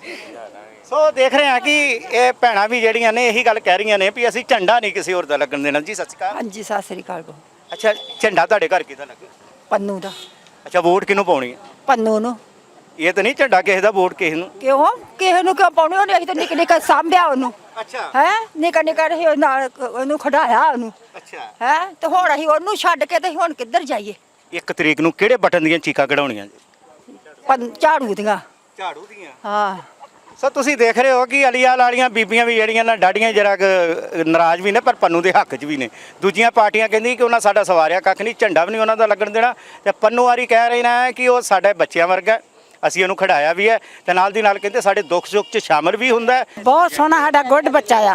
Speaker 5: ਸੋ ਦੇਖ ਰਹੇ ਹਾਂ ਕਿ ਇਹ ਭੈਣਾਂ ਵੀ ਜਿਹੜੀਆਂ ਨੇ ਇਹੀ ਗੱਲ ਕਹਿ ਰਹੀਆਂ ਨੇ ਵੀ ਅਸੀਂ ਝੰਡਾ ਨਹੀਂ ਕਿਸੇ ਹੋਰ ਦਾ ਲੱਗਣ ਦੇਣਾ। ਜੀ ਸਤਿ ਸ਼੍ਰੀ ਅਕਾਲ।
Speaker 12: ਹਾਂਜੀ ਸਤਿ ਸ੍ਰੀ ਅਕਾਲ।
Speaker 5: ਅੱਛਾ, ਝੰਡਾ ਤੁਹਾਡੇ ਘਰ ਕਿਹਦਾ ਲੱਗੇ?
Speaker 12: ਪੰਨੂ ਦਾ।
Speaker 5: ਅੱਛਾ, ਵੋਟ ਕਿਹਨੂੰ ਪਾਉਣੀ ਹੈ?
Speaker 12: ਪੰਨੂ ਨੂੰ।
Speaker 5: ਇਹ ਤਾਂ ਨਹੀਂ ਝੰਡਾ ਕਿਸੇ ਦਾ, ਵੋਟ ਕਿਸੇ ਨੂੰ।
Speaker 12: ਕਿਉਂ ਕਿਸੇ ਨੂੰ ਕਿਉਂ ਪਾਉਣੀ? ਉਹਨੇ ਅਸੀਂ ਤਾਂ ਨਿੱਕੇ ਨਿੱਕੇ ਸਾਂਭਿਆ ਉਹਨੂੰ।
Speaker 5: ਅੱਛਾ
Speaker 12: ਹੈ ਨਿੱਕਾ ਨਿੱਕਾ ਰਹੀ ਨਾਲ ਉਹਨੂੰ ਖੜਾਇਆ ਉਹਨੂੰ।
Speaker 5: ਅੱਛਾ।
Speaker 12: ਹੈ ਤੇ ਹੁਣ ਅਸੀਂ ਉਹਨੂੰ ਛੱਡ ਕੇ ਤੇ ਹੁਣ ਕਿੱਧਰ ਜਾਈਏ?
Speaker 5: ਇੱਕ ਤਰੀਕ ਨੂੰ ਕਿਹੜੇ ਬਟਨ ਦੀਆਂ ਚੀਕਾਂ ਕਢਾਉਣੀਆਂ ਜੀ?
Speaker 12: ਪੰਨ ਝਾੜੂ ਦੀਆਂ।
Speaker 5: ਝਾੜੂ ਦੀਆਂ?
Speaker 12: ਹਾਂ।
Speaker 5: ਸੋ ਤੁਸੀਂ ਦੇਖ ਰਹੇ ਹੋ ਕਿ ਅਲੀਆਲ ਵਾਲੀਆਂ ਬੀਬੀਆਂ ਵੀ ਜਿਹੜੀਆਂ ਨਾ ਡਾਡੀਆਂ ਜਰਾ ਨਾਰਾਜ਼ ਵੀ ਨੇ ਪਰ ਪੰਨੂ ਦੇ ਹੱਕ 'ਚ ਵੀ ਨੇ। ਦੂਜੀਆਂ ਪਾਰਟੀਆਂ ਕਹਿੰਦੀ ਕਿ ਉਹਨਾਂ ਸਾਡਾ ਸਵਾਰਿਆ ਕੱਖ ਨਹੀਂ, ਝੰਡਾ ਵੀ ਨਹੀਂ ਉਹਨਾਂ ਦਾ ਲੱਗਣ ਦੇਣਾ। ਤੇ ਪੰਨੂ ਵਾਰੀ ਕਹਿ ਰਹੇ ਨੇ ਕਿ ਉਹ ਸਾਡੇ ਬੱਚਿਆਂ ਵਰਗਾ, ਅਸੀਂ ਉਹਨੂੰ ਖੜਾਇਆ ਵੀ ਹੈ ਤੇ ਨਾਲ ਦੀ ਨਾਲ ਕਹਿੰਦੇ ਸਾਡੇ ਦੁੱਖ ਸੁੱਖ 'ਚ ਸ਼ਾਮਲ ਵੀ ਹੁੰਦਾ ਹੈ।
Speaker 12: ਬਹੁਤ ਸੋਹਣਾ ਸਾਡਾ ਗੁੱਡ ਬੱਚਾ ਆ।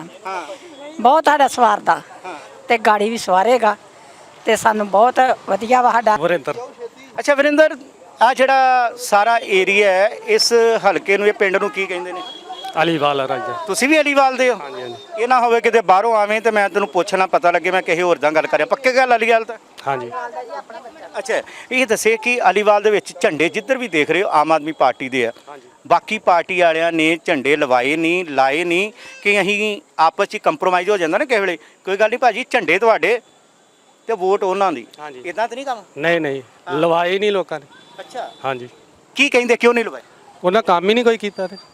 Speaker 12: ਬਹੁਤ ਸਾਡਾ ਸਵਾਰਦਾ ਤੇ ਗਾੜੀ ਵੀ ਸਵਾਰੇਗਾ ਤੇ ਸਾਨੂੰ ਬਹੁਤ ਵਧੀਆ ਵਾ ਸਾਡਾ।
Speaker 1: ਵਰਿੰਦਰ।
Speaker 5: ਅੱਛਾ ਵਰਿੰਦਰ, ਆ ਜਿਹੜਾ ਸਾਰਾ ਏਰੀਆ ਹੈ ਇਸ ਹਲਕੇ ਨੂੰ, ਇਹ ਪਿੰਡ ਨੂੰ ਕੀ ਕਹਿੰਦੇ ਨੇ?
Speaker 1: ਅਲੀਵਾਲ ਰਾਜਾ।
Speaker 5: ਤੁਸੀਂ ਵੀ ਅਲੀਵਾਲ ਦੇ ਹੋ?
Speaker 1: ਹਾਂਜੀ ਹਾਂਜੀ।
Speaker 5: ਇਹ ਨਾ ਹੋਵੇ ਕਿਤੇ ਬਾਹਰੋਂ ਆਵੇਂ ਤੇ ਮੈਂ ਤੈਨੂੰ ਪੁੱਛਣਾ ਪਤਾ ਲੱਗੇ ਮੈਂ ਕਿਸੇ ਹੋਰ ਦਾ ਗੱਲ ਕਰਿਆ। ਪੱਕੇ ਗੱਲ ਅਲੀਵਾਲ ਤਾਂ?
Speaker 1: ਹਾਂਜੀ।
Speaker 5: ਅੱਛਾ, ਇਹ ਦੱਸੇ ਕਿ ਅਲੀਵਾਲ ਦੇ ਵਿੱਚ ਝੰਡੇ ਜਿੱਧਰ ਵੀ ਦੇਖ ਰਹੇ ਹੋ ਆਮ ਆਦਮੀ ਪਾਰਟੀ ਦੇ ਆ। ਬਾਕੀ ਪਾਰਟੀ ਵਾਲਿਆਂ ਨੇ ਝੰਡੇ ਲਵਾਏ ਨਹੀਂ, ਲਾਏ ਨਹੀਂ ਕਿ ਅਸੀਂ ਆਪਸ 'ਚ ਕੰਪਰੋਮਾਈਜ਼ ਹੋ ਜਾਂਦਾ ਨਾ ਕਿਸੇ ਵੇਲੇ। ਕੋਈ ਗੱਲ ਨਹੀਂ ਭਾਜੀ, ਝੰਡੇ ਤੁਹਾਡੇ ਤੇ ਵੋਟ ਉਹਨਾਂ ਦੀ, ਇਦਾਂ ਤਾਂ ਨਹੀਂ ਕੰਮ?
Speaker 1: ਨਹੀਂ ਨਹੀਂ, ਲਵਾਏ ਨਹੀਂ ਲੋਕਾਂ ਨੇ।
Speaker 5: ਅੱਛਾ।
Speaker 1: ਹਾਂਜੀ।
Speaker 5: ਕੀ ਕਹਿੰਦੇ ਕਿਉਂ ਨਹੀਂ ਲਵਾਏ?
Speaker 1: ਉਹਨਾਂ ਕੰਮ ਹੀ ਨਹੀਂ ਕੋਈ ਕੀਤਾ ਤੇ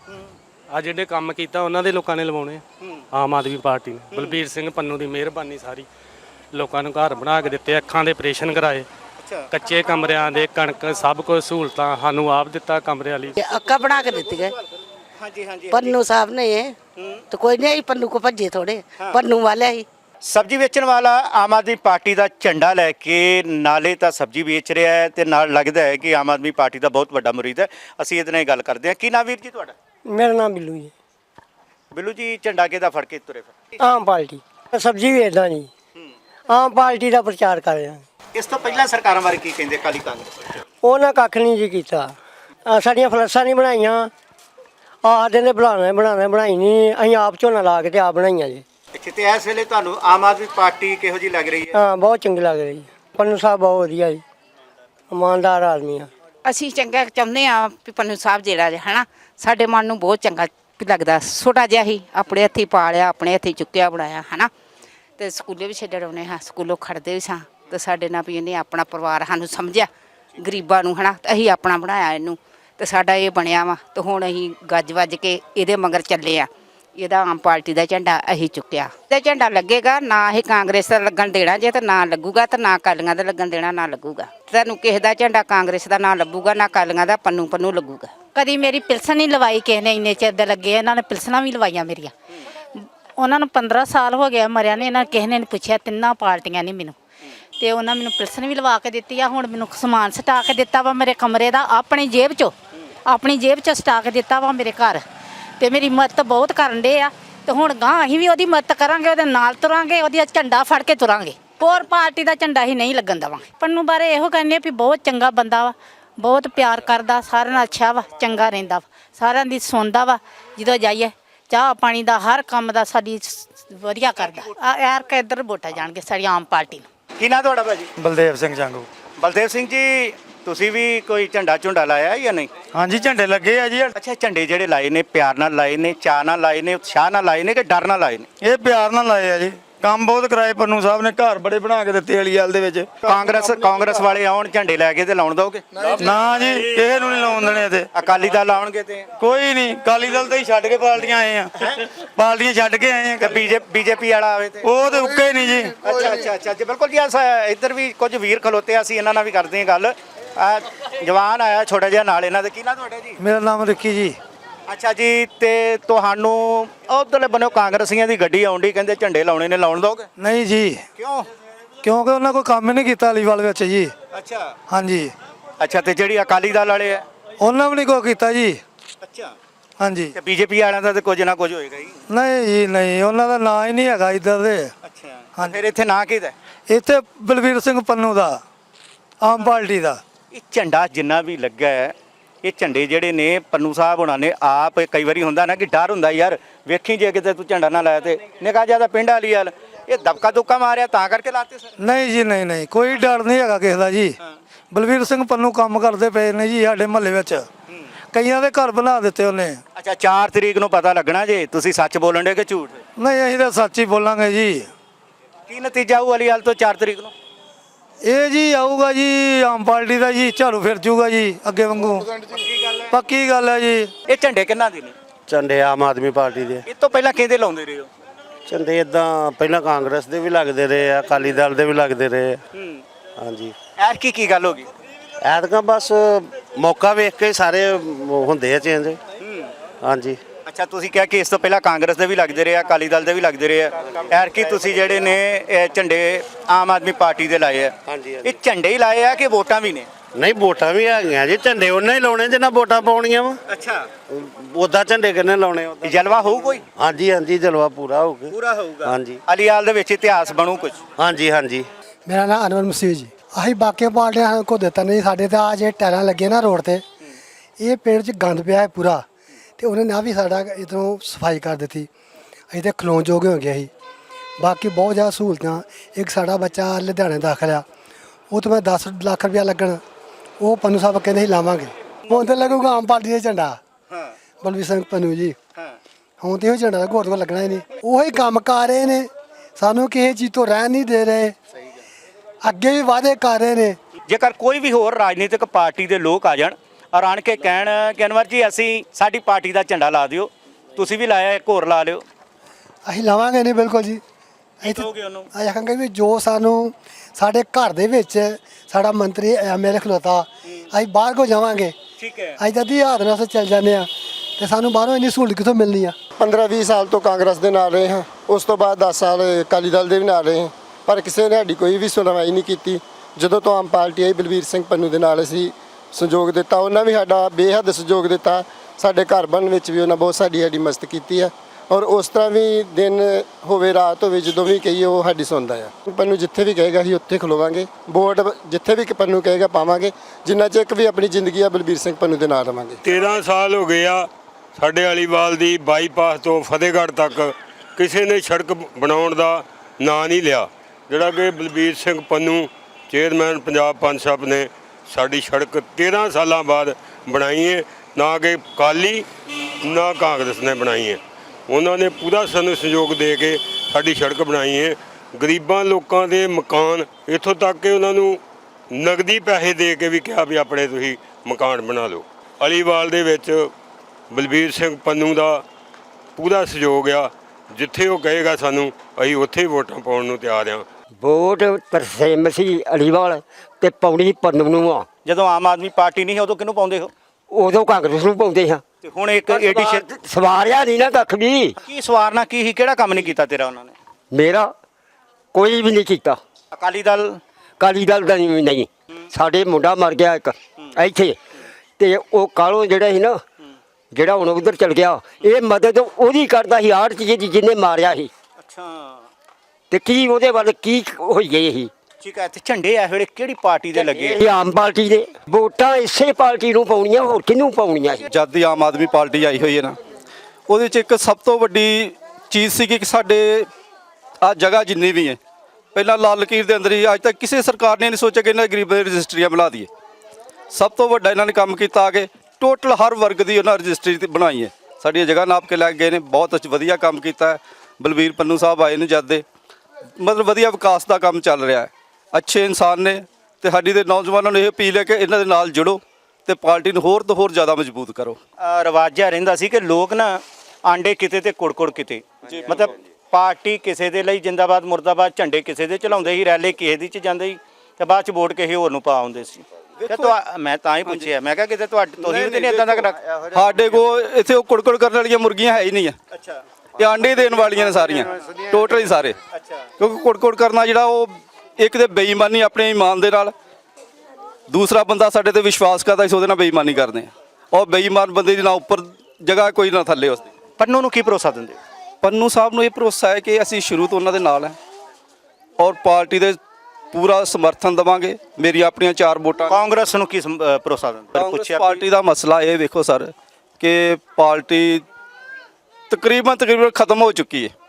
Speaker 1: ਆ ਜਿਹੜੇ ਕੰਮ ਕੀਤਾ ਉਹਨਾਂ ਦੇ ਲੋਕਾਂ ਨੇ ਲਵਾਉਣੇ ਆ। ਆਮ ਆਦਮੀ ਪਾਰਟੀ ਨੇ, ਬਲਬੀਰ ਸਿੰਘ ਪੰਨੂ ਦੀ ਮਿਹਰਬਾਨੀ ਸਾਰੀ। ਲੋਕਾਂ ਨੂੰ ਘਰ ਬਣਾ ਕੇ ਦਿੱਤੇ, ਅੱਖਾਂ ਦੇ ਆਪਰੇਸ਼ਨ ਕਰਾਏ, ਕੱਚੇ ਕਮਰਿਆਂ ਦੇ ਕਣਕ ਸਭ ਕੁਝ ਸਹੂਲਤਾਂ ਸਾਨੂੰ ਆਪ ਦਿੱਤਾ ਕਮਰੇ ਵਾਲੀ।
Speaker 8: ਅੱਖਾਂ ਬਣਾ ਕੇ ਦਿੱਤੀ ਗਏ।
Speaker 5: ਹਾਂਜੀ ਹਾਂਜੀ।
Speaker 8: ਪੰਨੂ ਸਾਹਿਬ ਨੇ ਇਹ ਤੇ ਕੋਈ ਨਹੀਂ ਪੰਨੂ ਕੋ ਭੱਜੇ ਥੋੜੇ, ਪੰਨੂ ਵਾਲੇ ਹੀ।
Speaker 5: ਸਬਜ਼ੀ ਵੇਚਣ ਵਾਲਾ ਆਮ ਆਦਮੀ ਪਾਰਟੀ ਦਾ ਝੰਡਾ ਲੈ ਕੇ ਨਾਲੇ ਤਾਂ ਸਬਜ਼ੀ ਵੇਚ ਰਿਹਾ ਹੈ ਤੇ ਨਾਲ ਲੱਗਦਾ ਹੈ ਕਿ ਆਮ ਆਦਮੀ ਪਾਰਟੀ ਦਾ ਬਹੁਤ ਵੱਡਾ ਮੁਰੀਦ ਹੈ। ਅਸੀਂ ਇਹਦੇ ਨਾਲ ਗੱਲ ਕਰਦੇ ਹਾਂ। ਕੀ ਨਾਮ ਵੀਰ ਜੀ ਤੁਹਾਡਾ?
Speaker 7: ਮੇਰਾ ਨਾਮ ਬਿੱਲੂ ਜੀ।
Speaker 5: ਬਿੱਲੂ ਜੀ, ਝੰਡਾ ਕਿਹਦਾ ਫੜ ਕੇ ਤੁਰੇ ਫਿਰ?
Speaker 7: ਆਮ ਪਾਰਟੀ। ਸਬਜ਼ੀ ਵੇਚਦਾ ਨਹੀਂ, ਆਮ ਪਾਰਟੀ ਦਾ ਪ੍ਰਚਾਰ ਕਰ ਰਿਹਾ।
Speaker 5: ਇਸ ਤੋਂ ਪਹਿਲਾਂ ਸਰਕਾਰਾਂ ਬਾਰੇ ਕੀ ਕਹਿੰਦੇ ਅਕਾਲੀ ਕਾਂਗਰਸ?
Speaker 7: ਉਹਨਾਂ ਕੱਖ ਨਹੀਂ ਜੀ ਕੀਤਾ। ਆਹ ਸਾਡੀਆਂ ਫਲੱਸਾਂ ਨਹੀਂ ਬਣਾਈਆਂ, ਆਹ ਦਿਨ ਬਣਾਉਣਾ ਬਣਾਉਣਾ ਬਣਾਈ ਨਹੀਂ, ਅਸੀਂ ਆਪ ਝੋਨਾ ਲਾ ਕੇ ਤੇ ਆਪ ਬਣਾਈਆਂ ਜੀ।
Speaker 5: ਅੱਛਾ, ਤੇ ਇਸ ਵੇਲੇ ਤੁਹਾਨੂੰ ਆਮ ਆਦਮੀ ਪਾਰਟੀ ਕਿਹੋ ਜਿਹੀ ਲੱਗ ਰਹੀ ਹੈ?
Speaker 7: ਹਾਂ, ਬਹੁਤ ਚੰਗੀ ਲੱਗ ਰਹੀ। ਪੰਨੂ ਸਾਹਿਬ ਬਹੁਤ ਵਧੀਆ ਜੀ, ਇਮਾਨਦਾਰ ਆਦਮੀ ਆ।
Speaker 10: ਅਸੀਂ ਚੰਗਾ ਚਾਹੁੰਦੇ ਆ ਵੀ ਪੰਨੂ ਸਾਹਿਬ ਜਿਹੜਾ ਹੈ ਨਾ ਸਾਡੇ ਮਨ ਨੂੰ ਬਹੁਤ ਚੰਗਾ ਲੱਗਦਾ। ਛੋਟਾ ਜਿਹਾ ਹੀ ਆਪਣੇ ਹੱਥੀਂ ਪਾਲਿਆ, ਆਪਣੇ ਹੱਥੀਂ ਚੁੱਕਿਆ ਬਣਾਇਆ ਹੈ ਨਾ, ਤੇ ਸਕੂਲੇ ਵੀ ਛੱਡਣ ਆਉਂਦੇ ਹਾਂ, ਸਕੂਲੋਂ ਖੜਦੇ ਵੀ ਸਾਂ ਤੇ ਸਾਡੇ ਨਾਲ ਵੀ ਇਹਨੇ ਆਪਣਾ ਪਰਿਵਾਰ ਸਾਨੂੰ ਸਮਝਿਆ ਗਰੀਬਾਂ ਨੂੰ ਹੈ ਨਾ, ਤੇ ਅਸੀਂ ਆਪਣਾ ਬਣਾਇਆ ਇਹਨੂੰ ਤੇ ਸਾਡਾ ਇਹ ਬਣਿਆ ਵਾ। ਤੇ ਹੁਣ ਅਸੀਂ ਗੱਜ ਵੱਜ ਕੇ ਇਹਦੇ ਮਗਰ ਚੱਲੇ ਆ। ਇਹਦਾ ਆਮ ਪਾਰਟੀ ਦਾ ਝੰਡਾ ਅਸੀਂ ਚੁੱਕਿਆ ਤੇ ਝੰਡਾ ਲੱਗੇਗਾ ਨਾ ਇਹ ਕਾਂਗਰਸ ਦਾ ਲੱਗਣ ਦੇਣਾ ਜੇ ਤੇ ਨਾ ਲੱਗੂਗਾ ਤੇ ਨਾ ਅਕਾਲੀਆਂ ਦਾ ਲੱਗਣ ਦੇਣਾ ਨਾ ਲੱਗੂਗਾ। ਤੁਹਾਨੂੰ ਕਿਸੇ ਦਾ ਝੰਡਾ ਕਾਂਗਰਸ ਦਾ ਨਾ ਲੱਗੂਗਾ ਨਾ ਅਕਾਲੀਆਂ ਦਾ, ਪੰਨੂ ਪੰਨੂ ਲੱਗੂਗਾ।
Speaker 3: ਕਦੀ ਮੇਰੀ ਪਿਲਸਣ ਨਹੀਂ ਲਵਾਈ ਕਿਸੇ ਨੇ, ਇੰਨੇ ਚਿਰ ਦੇ ਲੱਗੇ ਇਹਨਾਂ ਨੇ ਪਿਲਸਣਾਂ ਵੀ ਲਵਾਈਆਂ ਮੇਰੀਆਂ। ਉਹਨਾਂ ਨੂੰ ਪੰਦਰਾਂ ਸਾਲ ਹੋ ਗਿਆ ਮਰਿਆ ਨੇ, ਇਹਨਾਂ ਕਿਸੇ ਨੇ ਨਹੀਂ ਪੁੱਛਿਆ, ਤਿੰਨਾਂ ਪਾਰਟੀਆਂ ਨੇ ਮੈਨੂੰ, ਤੇ ਉਹਨਾਂ ਮੈਨੂੰ ਪਿਲਸਣ ਵੀ ਲਵਾ ਕੇ ਦਿੱਤੀ ਆ। ਹੁਣ ਮੈਨੂੰ ਸਮਾਨ ਸਟਾ ਕੇ ਦਿੱਤਾ ਵਾ ਮੇਰੇ ਕਮਰੇ ਦਾ, ਆਪਣੀ ਜੇਬ 'ਚੋਂ ਆਪਣੀ ਜੇਬ 'ਚੋਂ ਸਟਾ ਕੇ ਦਿੱਤਾ ਵਾ ਮੇਰੇ ਘਰ, ਤੇ ਮੇਰੀ ਮਦਦ ਬਹੁਤ ਕਰਨ ਦੇ ਆ। ਤੇ ਹੁਣ ਗਾਂ ਅਸੀਂ ਵੀ ਉਹਦੀ ਮਦਦ ਕਰਾਂਗੇ, ਉਹਦੇ ਨਾਲ ਤੁਰਾਂਗੇ, ਉਹਦੀ ਝੰਡਾ ਫੜ ਕੇ ਤੁਰਾਂਗੇ। ਹੋਰ ਪਾਰਟੀ ਦਾ ਝੰਡਾ ਹੀ ਨਹੀਂ ਲੱਗਣ ਦੇਵਾਂਗੇ। ਪੰਨੂ ਬਾਰੇ ਇਹੋ ਕਹਿੰਦੇ ਵੀ ਬਹੁਤ ਚੰਗਾ ਬੰਦਾ ਵਾ, ਬਹੁਤ ਪਿਆਰ ਕਰਦਾ, ਸਾਰਿਆਂ ਨਾਲ ਅੱਛਾ ਵਾ, ਚੰਗਾ ਰਹਿੰਦਾ ਵਾ, ਸਾਰਿਆਂ ਦੀ ਸੁਣਦਾ ਵਾ। ਜਦੋਂ ਜਾਈਏ ਚਾਹ ਪਾਣੀ ਦਾ ਹਰ ਕੰਮ ਦਾ ਸਾਡੀ ਵਧੀਆ ਕਰਦਾ। ਆ ਯਾਰ ਕਿ ਇੱਧਰ ਵੋਟਾਂ ਜਾਣਗੇ ਸਾਡੀ ਆਮ ਪਾਰਟੀ ਨੂੰ।
Speaker 5: ਕੀ ਨਾਂ ਤੁਹਾਡਾ ਭਾਜੀ?
Speaker 9: ਬਲਦੇਵ ਸਿੰਘ ਜੰਗੂ।
Speaker 5: ਬਲਦੇਵ ਸਿੰਘ ਜੀ, ਤੁਸੀਂ ਵੀ ਕੋਈ ਝੰਡਾ ਝੁੰਡਾ ਲਾਇਆ ਜਾਂ ਨਹੀਂ?
Speaker 9: ਹਾਂਜੀ ਝੰਡੇ ਲੱਗੇ ਆ ਜੀ।
Speaker 5: ਅੱਛਾ, ਝੰਡੇ ਜਿਹੜੇ ਲਾਏ ਨੇ ਪਿਆਰ ਨਾਲ ਲਾਏ ਨੇ, ਚਾਅ ਨਾਲ ਲਾਏ ਨੇ, ਉਤਸ਼ਾਹ ਨਾਲ ਲਾਏ ਨੇ ਕਿ ਡਰ ਨਾਲ ਲਾਏ ਨੇ?
Speaker 9: ਇਹ ਪਿਆਰ ਨਾਲ ਲਾਏ ਆ ਜੀ। ਕੰਮ ਬਹੁਤ ਕਰਾਏ ਪੰਨੂ ਸਾਹਿਬ ਨੇ, ਘਰ ਬੜੇ ਬਣਾ ਕੇ ਦਿੱਤੇ ਅਲੀਵਾਲ ਦੇ ਵਿੱਚ।
Speaker 5: ਕਾਂਗਰਸ ਕਾਂਗਰਸ ਵਾਲੇ ਆਉਣ ਝੰਡੇ ਲੈ ਕੇ ਤੇ ਲਾਉਣ ਦੋਗੇ?
Speaker 9: ਨਾ ਜੀ, ਕਿਸੇ ਨੂੰ ਨਹੀਂ ਲਾਉਣ ਦੇਣੇ ਤੇ।
Speaker 5: ਅਕਾਲੀ ਦਲ ਆਉਣਗੇ ਤੇ?
Speaker 9: ਕੋਈ ਨਹੀਂ, ਅਕਾਲੀ ਦਲ ਤੇ ਹੀ ਛੱਡ ਕੇ ਪਾਰਟੀਆਂ ਆਏ ਆ, ਪਾਰਟੀਆਂ ਛੱਡ ਕੇ ਆਏ
Speaker 5: ਤੇ
Speaker 9: ਆ।
Speaker 5: ਬੀਜੇਪੀ ਵਾਲਾ ਆਵੇ ਤੇ?
Speaker 9: ਉਹ ਤੇ ਉੱਕੇ ਹੀ ਨਹੀਂ ਜੀ।
Speaker 5: ਅੱਛਾ ਅੱਛਾ ਅੱਛਾ ਜੀ, ਬਿਲਕੁਲ ਜੀ। ਆ ਇੱਧਰ ਵੀ ਕੁਝ ਵੀਰ ਖਲੋਤੇ ਆ, ਅਸੀਂ ਇਹਨਾਂ ਨਾਲ ਵੀ ਕਰਦੇ ਹਾਂ ਗੱਲ। ਆ ਜਵਾਨ ਆਇਆ ਛੋਟਾ ਜਿਹਾ ਨਾਲ, ਇਹਨਾਂ ਦੇ ਕੀ ਨਾਂ ਤੁਹਾਡਾ ਜੀ?
Speaker 9: ਮੇਰਾ ਨਾਮ ਰਿੱਕੀ ਜੀ।
Speaker 5: ਅੱਛਾ ਜੀ, ਤੇ ਤੁਹਾਨੂੰ ਉਧਰਲੇ ਬੰਨੋਂ ਕਾਂਗਰਸੀਆਂ ਦੀ ਗੱਡੀ ਆਉਂਦੀ, ਕਹਿੰਦੇ ਝੰਡੇ ਲਾਉਣੇ ਨੇ, ਲਾਉਣ ਦੋਗੇ?
Speaker 9: ਨਹੀਂ ਜੀ,
Speaker 5: ਕਿਉਂ?
Speaker 9: ਕਿਉਂਕਿ ਉਹਨਾਂ ਕੋਈ ਕੰਮ ਹੀ ਨਹੀਂ ਕੀਤਾ ਅਲੀਵਾਲ ਵਿੱਚ ਜੀ।
Speaker 5: ਅੱਛਾ
Speaker 9: ਹਾਂਜੀ।
Speaker 5: ਅੱਛਾ, ਤੇ ਜਿਹੜੀ ਅਕਾਲੀ ਦਲ ਵਾਲੇ ਆ?
Speaker 9: ਉਹਨਾਂ ਵੀ ਨਹੀਂ ਕੋਈ ਕੀਤਾ ਜੀ।
Speaker 5: ਅੱਛਾ।
Speaker 9: ਹਾਂਜੀ।
Speaker 5: ਤੇ ਬੀਜੇਪੀ ਵਾਲਿਆਂ ਦਾ ਤੇ ਕੁਝ ਨਾ ਕੁਝ ਹੋਏਗਾ ਹੀ।
Speaker 9: ਨਹੀਂ ਜੀ ਨਹੀਂ, ਉਹਨਾਂ ਦਾ ਨਾਂ ਹੀ ਨਹੀਂ ਹੈਗਾ ਇੱਧਰ ਦੇ।
Speaker 5: ਅੱਛਾ,
Speaker 9: ਹਾਂਜੀ।
Speaker 5: ਫਿਰ ਇੱਥੇ ਨਾਂ ਕਿਹਦਾ?
Speaker 9: ਇੱਥੇ ਬਲਵੀਰ ਸਿੰਘ ਪੰਨੂ ਦਾ, ਆਮ ਪਾਰਟੀ ਦਾ।
Speaker 5: ਇਹ ਝੰਡਾ ਜਿੰਨਾ ਵੀ ਲੱਗਾ ਹੈ, ਇਹ ਝੰਡੇ ਜਿਹੜੇ ਨੇ ਪੰਨੂ ਸਾਹਿਬ ਹੋਣਾ ਨੇ ਆਪ, ਕਈ ਵਾਰੀ ਹੁੰਦਾ ਨਾ ਕਿ ਡਰ ਹੁੰਦਾ ਯਾਰ, ਵੇਖੀ ਜੇ ਕਿਤੇ ਤੂੰ ਝੰਡਾ ਨਾ ਲਾਇਆ ਤੇ ਨਿਕਾ ਜਿਆਦਾ ਪਿੰਡ ਵਾਲੀ ਵਾਲ, ਇਹ ਦਬਕਾ ਦੁੱਕਾ ਮਾਰਿਆ ਤਾਂ ਕਰਕੇ ਲਾਤੇ ਸਰ?
Speaker 9: ਨਹੀਂ ਜੀ ਨਹੀਂ ਨਹੀਂ, ਕੋਈ ਡਰ ਨਹੀਂ ਹੈਗਾ ਕਿਸੇ ਦਾ ਜੀ। ਬਲਵੀਰ ਸਿੰਘ ਪੰਨੂ ਕੰਮ ਕਰਦੇ ਪਏ ਨੇ ਜੀ ਸਾਡੇ ਮਹੱਲੇ ਵਿੱਚ, ਕਈਆਂ ਦੇ ਘਰ ਬਣਾ ਦਿੱਤੇ ਉਹਨੇ।
Speaker 5: ਅੱਛਾ, ਚਾਰ ਤਰੀਕ ਨੂੰ ਪਤਾ ਲੱਗਣਾ ਜੇ ਤੁਸੀਂ ਸੱਚ ਬੋਲਣ ਦੇ ਕਿ ਝੂਠ?
Speaker 9: ਨਹੀਂ, ਅਸੀਂ ਤਾਂ ਸੱਚ ਹੀ ਬੋਲਾਂਗੇ ਜੀ।
Speaker 5: ਕੀ ਨਤੀਜਾ ਆਊ ਵਾਲੀ ਹਾਲ ਤੋਂ ਚਾਰ ਤਰੀਕ ਨੂੰ?
Speaker 9: ਇਹ ਜੀ ਆਊਗਾ ਜੀ ਆਮ ਪਾਰਟੀ ਦਾ ਜੀ, ਝਾੜੂ ਫਿਰ ਜੂਗਾ ਜੀ ਅੱਗੇ ਵਾਂਗੂ। ਪੱਕੀ ਗੱਲ ਹੈ ਜੀ।
Speaker 5: ਇਹ ਝੰਡੇ ਕਿਹਨਾਂ ਦੇ ਨੇ?
Speaker 13: ਝੰਡੇ ਆਮ ਆਦਮੀ ਪਾਰਟੀ ਦੇ।
Speaker 5: ਇਹ ਤੋਂ ਪਹਿਲਾਂ ਕਿਹਦੇ ਲਾਉਂਦੇ ਰਹੇ ਹੋ?
Speaker 13: ਝੰਡੇ ਇਦਾਂ ਪਹਿਲਾਂ ਕਾਂਗਰਸ ਦੇ ਵੀ ਲੱਗਦੇ ਰਹੇ ਆ, ਅਕਾਲੀ ਦਲ ਦੇ ਵੀ ਲੱਗਦੇ ਰਹੇ ਆ। ਹਾਂਜੀ।
Speaker 5: ਐਰ ਕੀ ਕੀ ਗੱਲ ਹੋ ਗਈ?
Speaker 13: ਐਤਕਾਂ ਬਸ ਮੌਕਾ ਵੇਖ ਕੇ ਸਾਰੇ ਹੁੰਦੇ ਆ ਚੇਂਜ। ਹਾਂਜੀ।
Speaker 5: ਅੱਛਾ, ਤੁਸੀਂ ਕਿਹਾ ਕਿ ਇਸ ਤੋਂ ਪਹਿਲਾਂ ਕਾਂਗਰਸ ਦੇ ਵੀ ਲੱਗਦੇ ਰਹੇ ਆ, ਅਕਾਲੀ ਦਲ ਦੇ ਵੀ ਲੱਗਦੇ ਰਹੇ ਆ, ਐਰ ਕੀ ਤੁਸੀਂ ਜਿਹੜੇ ਨੇ ਇਹ ਝੰਡੇ ਆਮ ਆਦਮੀ ਪਾਰਟੀ ਦੇ ਲਾਏ ਆ?
Speaker 13: ਹਾਂਜੀ।
Speaker 5: ਇਹ ਝੰਡੇ ਹੀ ਲਾਏ ਆ ਕਿ ਵੋਟਾਂ ਵੀ ਨੇ?
Speaker 13: ਨਹੀਂ, ਵੋਟਾਂ ਵੀ ਹੈਗੀਆਂ ਜੀ। ਝੰਡੇ ਉਹਨਾਂ ਹੀ ਲਾਉਣੇ ਜਿੰਨਾ ਵੋਟਾਂ ਪਾਉਣੀਆਂ ਵਾ।
Speaker 5: ਅੱਛਾ।
Speaker 13: ਉਦਾਂ ਝੰਡੇ ਕਿੰਨੇ ਲਾਉਣੇ?
Speaker 5: ਜਲਵਾ ਹੋਊ ਕੋਈ?
Speaker 13: ਹਾਂਜੀ ਹਾਂਜੀ, ਜਲਵਾ ਪੂਰਾ ਹੋਊਗਾ।
Speaker 5: ਪੂਰਾ ਹੋਊਗਾ।
Speaker 13: ਹਾਂਜੀ।
Speaker 5: ਅਲੀਵਾਲ ਦੇ ਵਿੱਚ ਇਤਿਹਾਸ ਬਣੂ ਕੁਝ?
Speaker 13: ਹਾਂਜੀ ਹਾਂਜੀ।
Speaker 2: ਮੇਰਾ ਨਾਮ ਅਨਵਰ ਮਸੀਹ ਜੀ। ਅਸੀਂ ਬਾਕੀਆਂ ਪਾਰਟੀਆਂ ਕੋ ਦਿੱਤਾ ਨਹੀਂ, ਸਾਡੇ ਤਾਂ ਆ ਜੇ ਟਾਇਰਾਂ ਲੱਗੇ ਨਾ ਰੋਡ ਤੇ, ਇਹ ਪਿੰਡ 'ਚ ਗੰਦ ਪਿਆ ਹੈ ਪੂਰਾ, ਤੇ ਉਹਨੇ ਨਾ ਵੀ ਸਾਡਾ ਇੱਧਰੋਂ ਸਫਾਈ ਕਰ ਦਿੱਤੀ, ਅਸੀਂ ਤਾਂ ਖਲੋਣ ਜੋਗੇ ਹੋ ਗਏ ਸੀ। ਬਾਕੀ ਬਹੁਤ ਜ਼ਿਆਦਾ ਸਹੂਲਤਾਂ। ਇੱਕ ਸਾਡਾ ਬੱਚਾ ਲੁਧਿਆਣੇ ਦਾਖਲ ਆ, ਉਹ ਤੋਂ ਮੈਂ ਦਸ ਲੱਖ ਰੁਪਇਆ ਲੱਗਣ, ਉਹ ਪੰਨੂ ਸਾਹਿਬ ਕਹਿੰਦੇ ਸੀ ਲਾਵਾਂਗੇ। ਹੁਣ ਤਾਂ ਲੱਗੂਗਾ ਆਮ ਪਾਰਟੀ ਦਾ ਝੰਡਾ।
Speaker 5: ਹਾਂ।
Speaker 2: ਬਲਵੀਰ ਸਿੰਘ ਪੰਨੂ ਜੀ।
Speaker 5: ਹਾਂ।
Speaker 2: ਹੁਣ ਤੇ ਉਹ ਝੰਡਾ ਦਾ ਘੋਰ ਤੋਂ ਲੱਗਣਾ ਹੀ ਨਹੀਂ। ਉਹੀ ਕੰਮ ਕਰ ਰਹੇ ਨੇ, ਸਾਨੂੰ ਕਿਸੇ ਚੀਜ਼ ਤੋਂ ਰਹਿਣ ਨਹੀਂ ਦੇ ਰਹੇ, ਅੱਗੇ ਵੀ ਵਾਅਦੇ ਕਰ ਰਹੇ ਨੇ।
Speaker 5: ਜੇਕਰ ਕੋਈ ਵੀ ਹੋਰ ਰਾਜਨੀਤਿਕ ਪਾਰਟੀ ਦੇ ਲੋਕ ਆ ਜਾਣ ਔਰ ਆਣ ਕੇ ਕਹਿਣ ਕਿ ਅਨਵਰ ਜੀ ਅਸੀਂ ਸਾਡੀ ਪਾਰਟੀ ਦਾ ਝੰਡਾ ਲਾ ਦਿਓ, ਤੁਸੀਂ ਵੀ ਲਾਇਆ, ਇੱਕ ਹੋਰ ਲਾ ਲਿਓ,
Speaker 2: ਅਸੀਂ ਲਾਵਾਂਗੇ ਨਹੀਂ ਬਿਲਕੁਲ ਜੀ। ਅਸੀਂ
Speaker 5: ਉਹਨੂੰ
Speaker 2: ਅਸੀਂ ਆਖਾਂਗੇ ਵੀ ਜੋ ਸਾਨੂੰ ਸਾਡੇ ਘਰ ਦੇ ਵਿੱਚ ਸਾਡਾ ਮੰਤਰੀ ਐਮ ਐਲ ਏ ਖਲੋਤਾ, ਅਸੀਂ ਬਾਹਰ ਕੋ ਜਾਵਾਂਗੇ।
Speaker 5: ਠੀਕ ਹੈ।
Speaker 2: ਅਸੀਂ ਤਾਂ ਦੀ ਹੱਥ ਨਾਲ ਚੱਲ ਜਾਂਦੇ ਆ, ਤੇ ਸਾਨੂੰ ਬਾਹਰੋਂ ਇੰਨੀ ਸਹੂਲਤ ਕਿੱਥੋਂ ਮਿਲਣੀ ਆ? ਪੰਦਰਾਂ ਵੀਹ ਸਾਲ ਤੋਂ ਕਾਂਗਰਸ ਦੇ ਨਾਲ ਰਹੇ ਹਾਂ, ਉਸ ਤੋਂ ਬਾਅਦ ਦਸ ਸਾਲ ਅਕਾਲੀ ਦਲ ਦੇ ਵੀ ਨਾਲ ਰਹੇ ਹਾਂ, ਪਰ ਕਿਸੇ ਨੇ ਸਾਡੀ ਕੋਈ ਵੀ ਸੁਣਵਾਈ ਨਹੀਂ ਕੀਤੀ। ਜਦੋਂ ਤੋਂ ਆਮ ਪਾਰਟੀ ਆਈ, ਬਲਵੀਰ ਸਿੰਘ ਪੰਨੂ ਦੇ ਨਾਲ ਅਸੀਂ ਸਹਿਯੋਗ ਦਿੱਤਾ, ਉਹਨਾਂ ਵੀ ਸਾਡਾ ਬੇਹੱਦ ਸਹਿਯੋਗ ਦਿੱਤਾ। ਸਾਡੇ ਘਰ ਬਣਨ ਵਿੱਚ ਵੀ ਉਹਨਾਂ ਬਹੁਤ ਸਾਡੀ ਸਾਡੀ ਮਦਦ ਕੀਤੀ ਆ, ਔਰ ਉਸ ਤਰ੍ਹਾਂ ਵੀ ਦਿਨ ਹੋਵੇ ਰਾਤ ਹੋਵੇ, ਜਦੋਂ ਵੀ ਕਹੀਏ ਉਹ ਸਾਡੀ ਸੁਣਦਾ ਆ। ਪੰਨੂ ਜਿੱਥੇ ਵੀ ਕਹੇਗਾ ਅਸੀਂ ਉੱਥੇ ਖਲੋਵਾਂਗੇ, ਵੋਟ ਜਿੱਥੇ ਵੀ ਪੰਨੂ ਕਹੇਗਾ ਪਾਵਾਂਗੇ, ਜਿੰਨਾ ਚਿਰ ਵੀ ਆਪਣੀ ਜ਼ਿੰਦਗੀ ਆ ਬਲਵੀਰ ਸਿੰਘ ਪੰਨੂ ਦੇ ਨਾਲ ਰਵਾਂਗੇ।
Speaker 11: ਤੇਰਾਂ ਸਾਲ ਹੋ ਗਏ ਆ ਸਾਡੇ ਅਲੀਵਾਲ ਦੀ ਬਾਈਪਾਸ ਤੋਂ ਫਤਿਹਗੜ੍ਹ ਤੱਕ ਕਿਸੇ ਨੇ ਸੜਕ ਬਣਾਉਣ ਦਾ ਨਾਂ ਨਹੀਂ ਲਿਆ, ਜਿਹੜਾ ਕਿ ਬਲਬੀਰ ਸਿੰਘ ਪੰਨੂ ਚੇਅਰਮੈਨ ਪੰਜਾਬ ਪੰਜ ਸਾਹਿਬ ਨੇ ਸਾਡੀ ਸੜਕ ਤੇਰਾਂ ਸਾਲਾਂ ਬਾਅਦ ਬਣਾਈ ਹੈ। ਨਾ ਕਿ ਅਕਾਲੀ ਨਾ ਕਾਂਗਰਸ ਨੇ ਬਣਾਈ ਹੈ। ਉਹਨਾਂ ਨੇ ਪੂਰਾ ਸਾਨੂੰ ਸਹਿਯੋਗ ਦੇ ਕੇ ਸਾਡੀ ਸੜਕ ਬਣਾਈ ਹੈ। ਗਰੀਬਾਂ ਲੋਕਾਂ ਦੇ ਮਕਾਨ, ਇੱਥੋਂ ਤੱਕ ਕਿ ਉਹਨਾਂ ਨੂੰ ਨਗਦੀ ਪੈਸੇ ਦੇ ਕੇ ਵੀ ਕਿਹਾ ਵੀ ਆਪਣੇ ਤੁਸੀਂ ਮਕਾਨ ਬਣਾ ਲਓ। ਅਲੀਵਾਲ ਦੇ ਵਿੱਚ ਬਲਬੀਰ ਸਿੰਘ ਪੰਨੂ ਦਾ ਪੂਰਾ ਸਹਿਯੋਗ ਆ। ਜਿੱਥੇ ਉਹ ਕਹੇਗਾ ਸਾਨੂੰ, ਅਸੀਂ ਉੱਥੇ ਹੀ ਵੋਟਾਂ ਪਾਉਣ ਨੂੰ ਤਿਆਰ ਹਾਂ।
Speaker 7: ਵੋਟ ਤਰਸੇਮ ਸੀ ਅਲੀਵਾਲ ਤੇ ਪਾਉਣੀ ਪੰਨੂ ਨੂੰ ਆ।
Speaker 5: ਜਦੋਂ ਆਮ ਆਦਮੀ ਪਾਰਟੀ ਨਹੀਂ ਹੈ ਉਦੋਂ ਕਿਹਨੂੰ ਪਾਉਂਦੇ ਹੋ?
Speaker 7: ਉਦੋਂ ਕਾਂਗਰਸ ਨੂੰ ਪਾਉਂਦੇ ਹਾਂ।
Speaker 5: ਤੇ ਹੁਣ ਇੱਕ ਐਡੀਸ਼ਨ
Speaker 7: ਸਵਾਰਿਆ ਨਹੀਂ ਨਾ ਕੱਖ ਵੀ।
Speaker 5: ਕੀ ਸਵਾਰਨਾ ਕੀ ਹੀ, ਕਿਹੜਾ ਕੰਮ ਨਹੀਂ ਕੀਤਾ ਤੇਰਾ ਉਹਨਾਂ ਨੇ?
Speaker 7: ਮੇਰਾ ਕੋਈ ਵੀ ਨਹੀਂ ਕੀਤਾ।
Speaker 5: ਅਕਾਲੀ ਦਲ
Speaker 7: ਅਕਾਲੀ ਦਲ ਦਾ ਨਹੀਂ ਨਹੀਂ ਸਾਡੇ ਮੁੰਡਾ ਮਰ ਗਿਆ ਇੱਕ ਇੱਥੇ, ਤੇ ਉਹ ਕਾਲੋਂ ਜਿਹੜਾ ਸੀ ਨਾ, ਜਿਹੜਾ ਹੁਣ ਉਧਰ ਚਲ ਗਿਆ, ਇਹ ਮਦਦ ਉਹਦੀ ਕਰਦਾ ਸੀ ਆੜਤ ਜੀ ਜਿਹਨੇ ਮਾਰਿਆ ਸੀ।
Speaker 5: ਅੱਛਾ,
Speaker 7: ਤੇ ਕੀ ਉਹਦੇ ਵੱਲ ਕੀ ਹੋਈ ਗਈ ਸੀ?
Speaker 5: ਠੀਕ ਹੈ। ਤੇ ਝੰਡੇ ਇਸ ਵੇਲੇ ਕਿਹੜੀ ਪਾਰਟੀ ਦੇ ਲੱਗੇ?
Speaker 7: ਇਹ ਆਮ ਪਾਰਟੀ ਦੇ। ਵੋਟਾਂ ਇਸੇ ਪਾਰਟੀ ਨੂੰ ਪਾਉਣੀਆਂ, ਹੋਰ ਕਿਹਨੂੰ ਪਾਉਣੀਆਂ ਸੀ?
Speaker 14: ਜਦ ਦੀ ਆਮ ਆਦਮੀ ਪਾਰਟੀ ਆਈ ਹੋਈ ਹੈ ਨਾ, ਉਹਦੇ 'ਚ ਇੱਕ ਸਭ ਤੋਂ ਵੱਡੀ ਚੀਜ਼ ਸੀ ਕਿ ਸਾਡੇ ਆ ਜਗ੍ਹਾ ਜਿੰਨੀ ਵੀ ਹੈ, ਪਹਿਲਾਂ ਲਾਲ ਲਕੀਰ ਦੇ ਅੰਦਰ ਹੀ ਅੱਜ ਤੱਕ ਕਿਸੇ ਸਰਕਾਰ ਨੇ ਨਹੀਂ ਸੋਚਿਆ ਕਿ ਇਹਨਾਂ ਗਰੀਬਾਂ ਦੀ ਰਜਿਸਟਰੀਆਂ ਬਣਾ ਦਈਏ। ਸਭ ਤੋਂ ਵੱਡਾ ਇਹਨਾਂ ਨੇ ਕੰਮ ਕੀਤਾ ਆ ਕੇ ਟੋਟਲ ਹਰ ਵਰਗ ਦੀ ਉਹਨਾਂ ਰਜਿਸਟਰੀ ਬਣਾਈ ਹੈ। ਸਾਡੀਆਂ ਜਗ੍ਹਾ ਨਾਪ ਕੇ ਲੈ ਗਏ ਨੇ, ਬਹੁਤ ਵਧੀਆ ਕੰਮ ਕੀਤਾ ਹੈ। ਬਲਬੀਰ ਪੰਨੂ ਸਾਹਿਬ ਆਏ ਨੇ ਜਦ ਦੇ, ਮਤਲਬ ਵਧੀਆ ਵਿਕਾਸ ਦਾ ਕੰਮ ਚੱਲ ਰਿਹਾ ਹੈ। ਅੱਛੇ ਇਨਸਾਨ ਨੇ, ਤੇ ਸਾਡੀ ਦੇ ਨੌਜਵਾਨਾਂ ਨੂੰ ਇਹ ਅਪੀਲ ਹੈ ਕਿ ਇਹਨਾਂ ਦੇ ਨਾਲ ਜੁੜੋ ਤੇ ਪਾਰਟੀ ਨੂੰ ਹੋਰ ਤੋਂ ਹੋਰ ਜ਼ਿਆਦਾ ਮਜ਼ਬੂਤ ਕਰੋ।
Speaker 5: ਰਿਵਾਜਾ ਰਹਿੰਦਾ ਸੀ ਕਿ ਲੋਕ ਨਾ ਆਂਡੇ ਕਿਤੇ ਤੇ ਕੁੜਕੁੜ ਕਿਤੇ, ਮਤਲਬ ਪਾਰਟੀ ਕਿਸੇ ਦੇ ਲਈ ਜਿੰਦਾਬਾਦ ਮੁਰਦਾਬਾਦ, ਝੰਡੇ ਕਿਸੇ ਦੇ ਚਲਾਉਂਦੇ ਸੀ, ਰੈਲੀ ਕਿਸੇ ਦੀ ਚ ਜਾਂਦੇ ਸੀ, ਤੇ ਬਾਅਦ ਚ ਵੋਟ ਕਿਸੇ ਹੋਰ ਨੂੰ ਪਾ ਆਉਂਦੇ ਸੀ। ਤੇ ਮੈਂ ਤਾਂ ਹੀ ਪੁੱਛਿਆ, ਮੈਂ ਕਿਹਾ ਕਿਤੇ ਤੁਹਾਡੇ ਤੁਸੀਂ ਵੀ ਨਹੀਂ ਇਦਾਂ ਦਾ?
Speaker 14: ਸਾਡੇ ਕੋਲ ਇੱਥੇ ਉਹ ਕੁੜਕੁੜ ਕਰਨ ਵਾਲੀਆਂ ਮੁਰਗੀਆਂ ਹੈ ਹੀ ਨਹੀਂ ਆ।
Speaker 5: ਅੱਛਾ,
Speaker 14: ਇਹ ਆਂਡੇ ਦੇਣ ਵਾਲੀਆਂ ਨੇ ਸਾਰੀਆਂ, ਟੋਟਲ ਹੀ ਸਾਰੇ। ਕਿਉਂਕਿ ਕੁੜਕੁੜ ਕਰਨਾ ਜਿਹੜਾ ਉਹ ਇੱਕ ਤੇ ਬੇਈਮਾਨੀ ਆਪਣੇ ਈਮਾਨ ਦੇ ਨਾਲ, ਦੂਸਰਾ ਬੰਦਾ ਸਾਡੇ ਤੇ ਵਿਸ਼ਵਾਸ ਕਰਦਾ ਸੀ, ਉਹਦੇ ਨਾਲ ਬੇਈਮਾਨੀ ਕਰਦੇ ਆ। ਔਰ ਬੇਈਮਾਨ ਬੰਦੇ ਦੀ ਨਾ ਉੱਪਰ ਜਗ੍ਹਾ ਕੋਈ ਨਾ ਥੱਲੇ ਉਸਦੀ।
Speaker 5: ਪੰਨੂ ਨੂੰ ਕੀ ਭਰੋਸਾ ਦਿੰਦੇ?
Speaker 14: ਪੰਨੂ ਸਾਹਿਬ ਨੂੰ ਇਹ ਭਰੋਸਾ ਹੈ ਕਿ ਅਸੀਂ ਸ਼ੁਰੂ ਤੋਂ ਉਹਨਾਂ ਦੇ ਨਾਲ ਹਾਂ ਔਰ ਪਾਰਟੀ ਦੇ ਪੂਰਾ ਸਮਰਥਨ ਦੇਵਾਂਗੇ। ਮੇਰੀ ਆਪਣੀਆਂ ਚਾਰ ਵੋਟਾਂ।
Speaker 5: ਕਾਂਗਰਸ ਨੂੰ ਕੀ ਸਮ- ਅ, ਭਰੋਸਾ ਦਿੰਦੇ?
Speaker 14: ਕਾਂਗਰਸ ਪਾਰਟੀ ਦਾ ਮਸਲਾ ਇਹ ਵੇਖੋ ਸਰ ਕਿ ਪਾਰਟੀ ਤਕਰੀਬਨ ਤਕਰੀਬਨ ਖਤਮ ਹੋ ਚੁੱਕੀ ਹੈ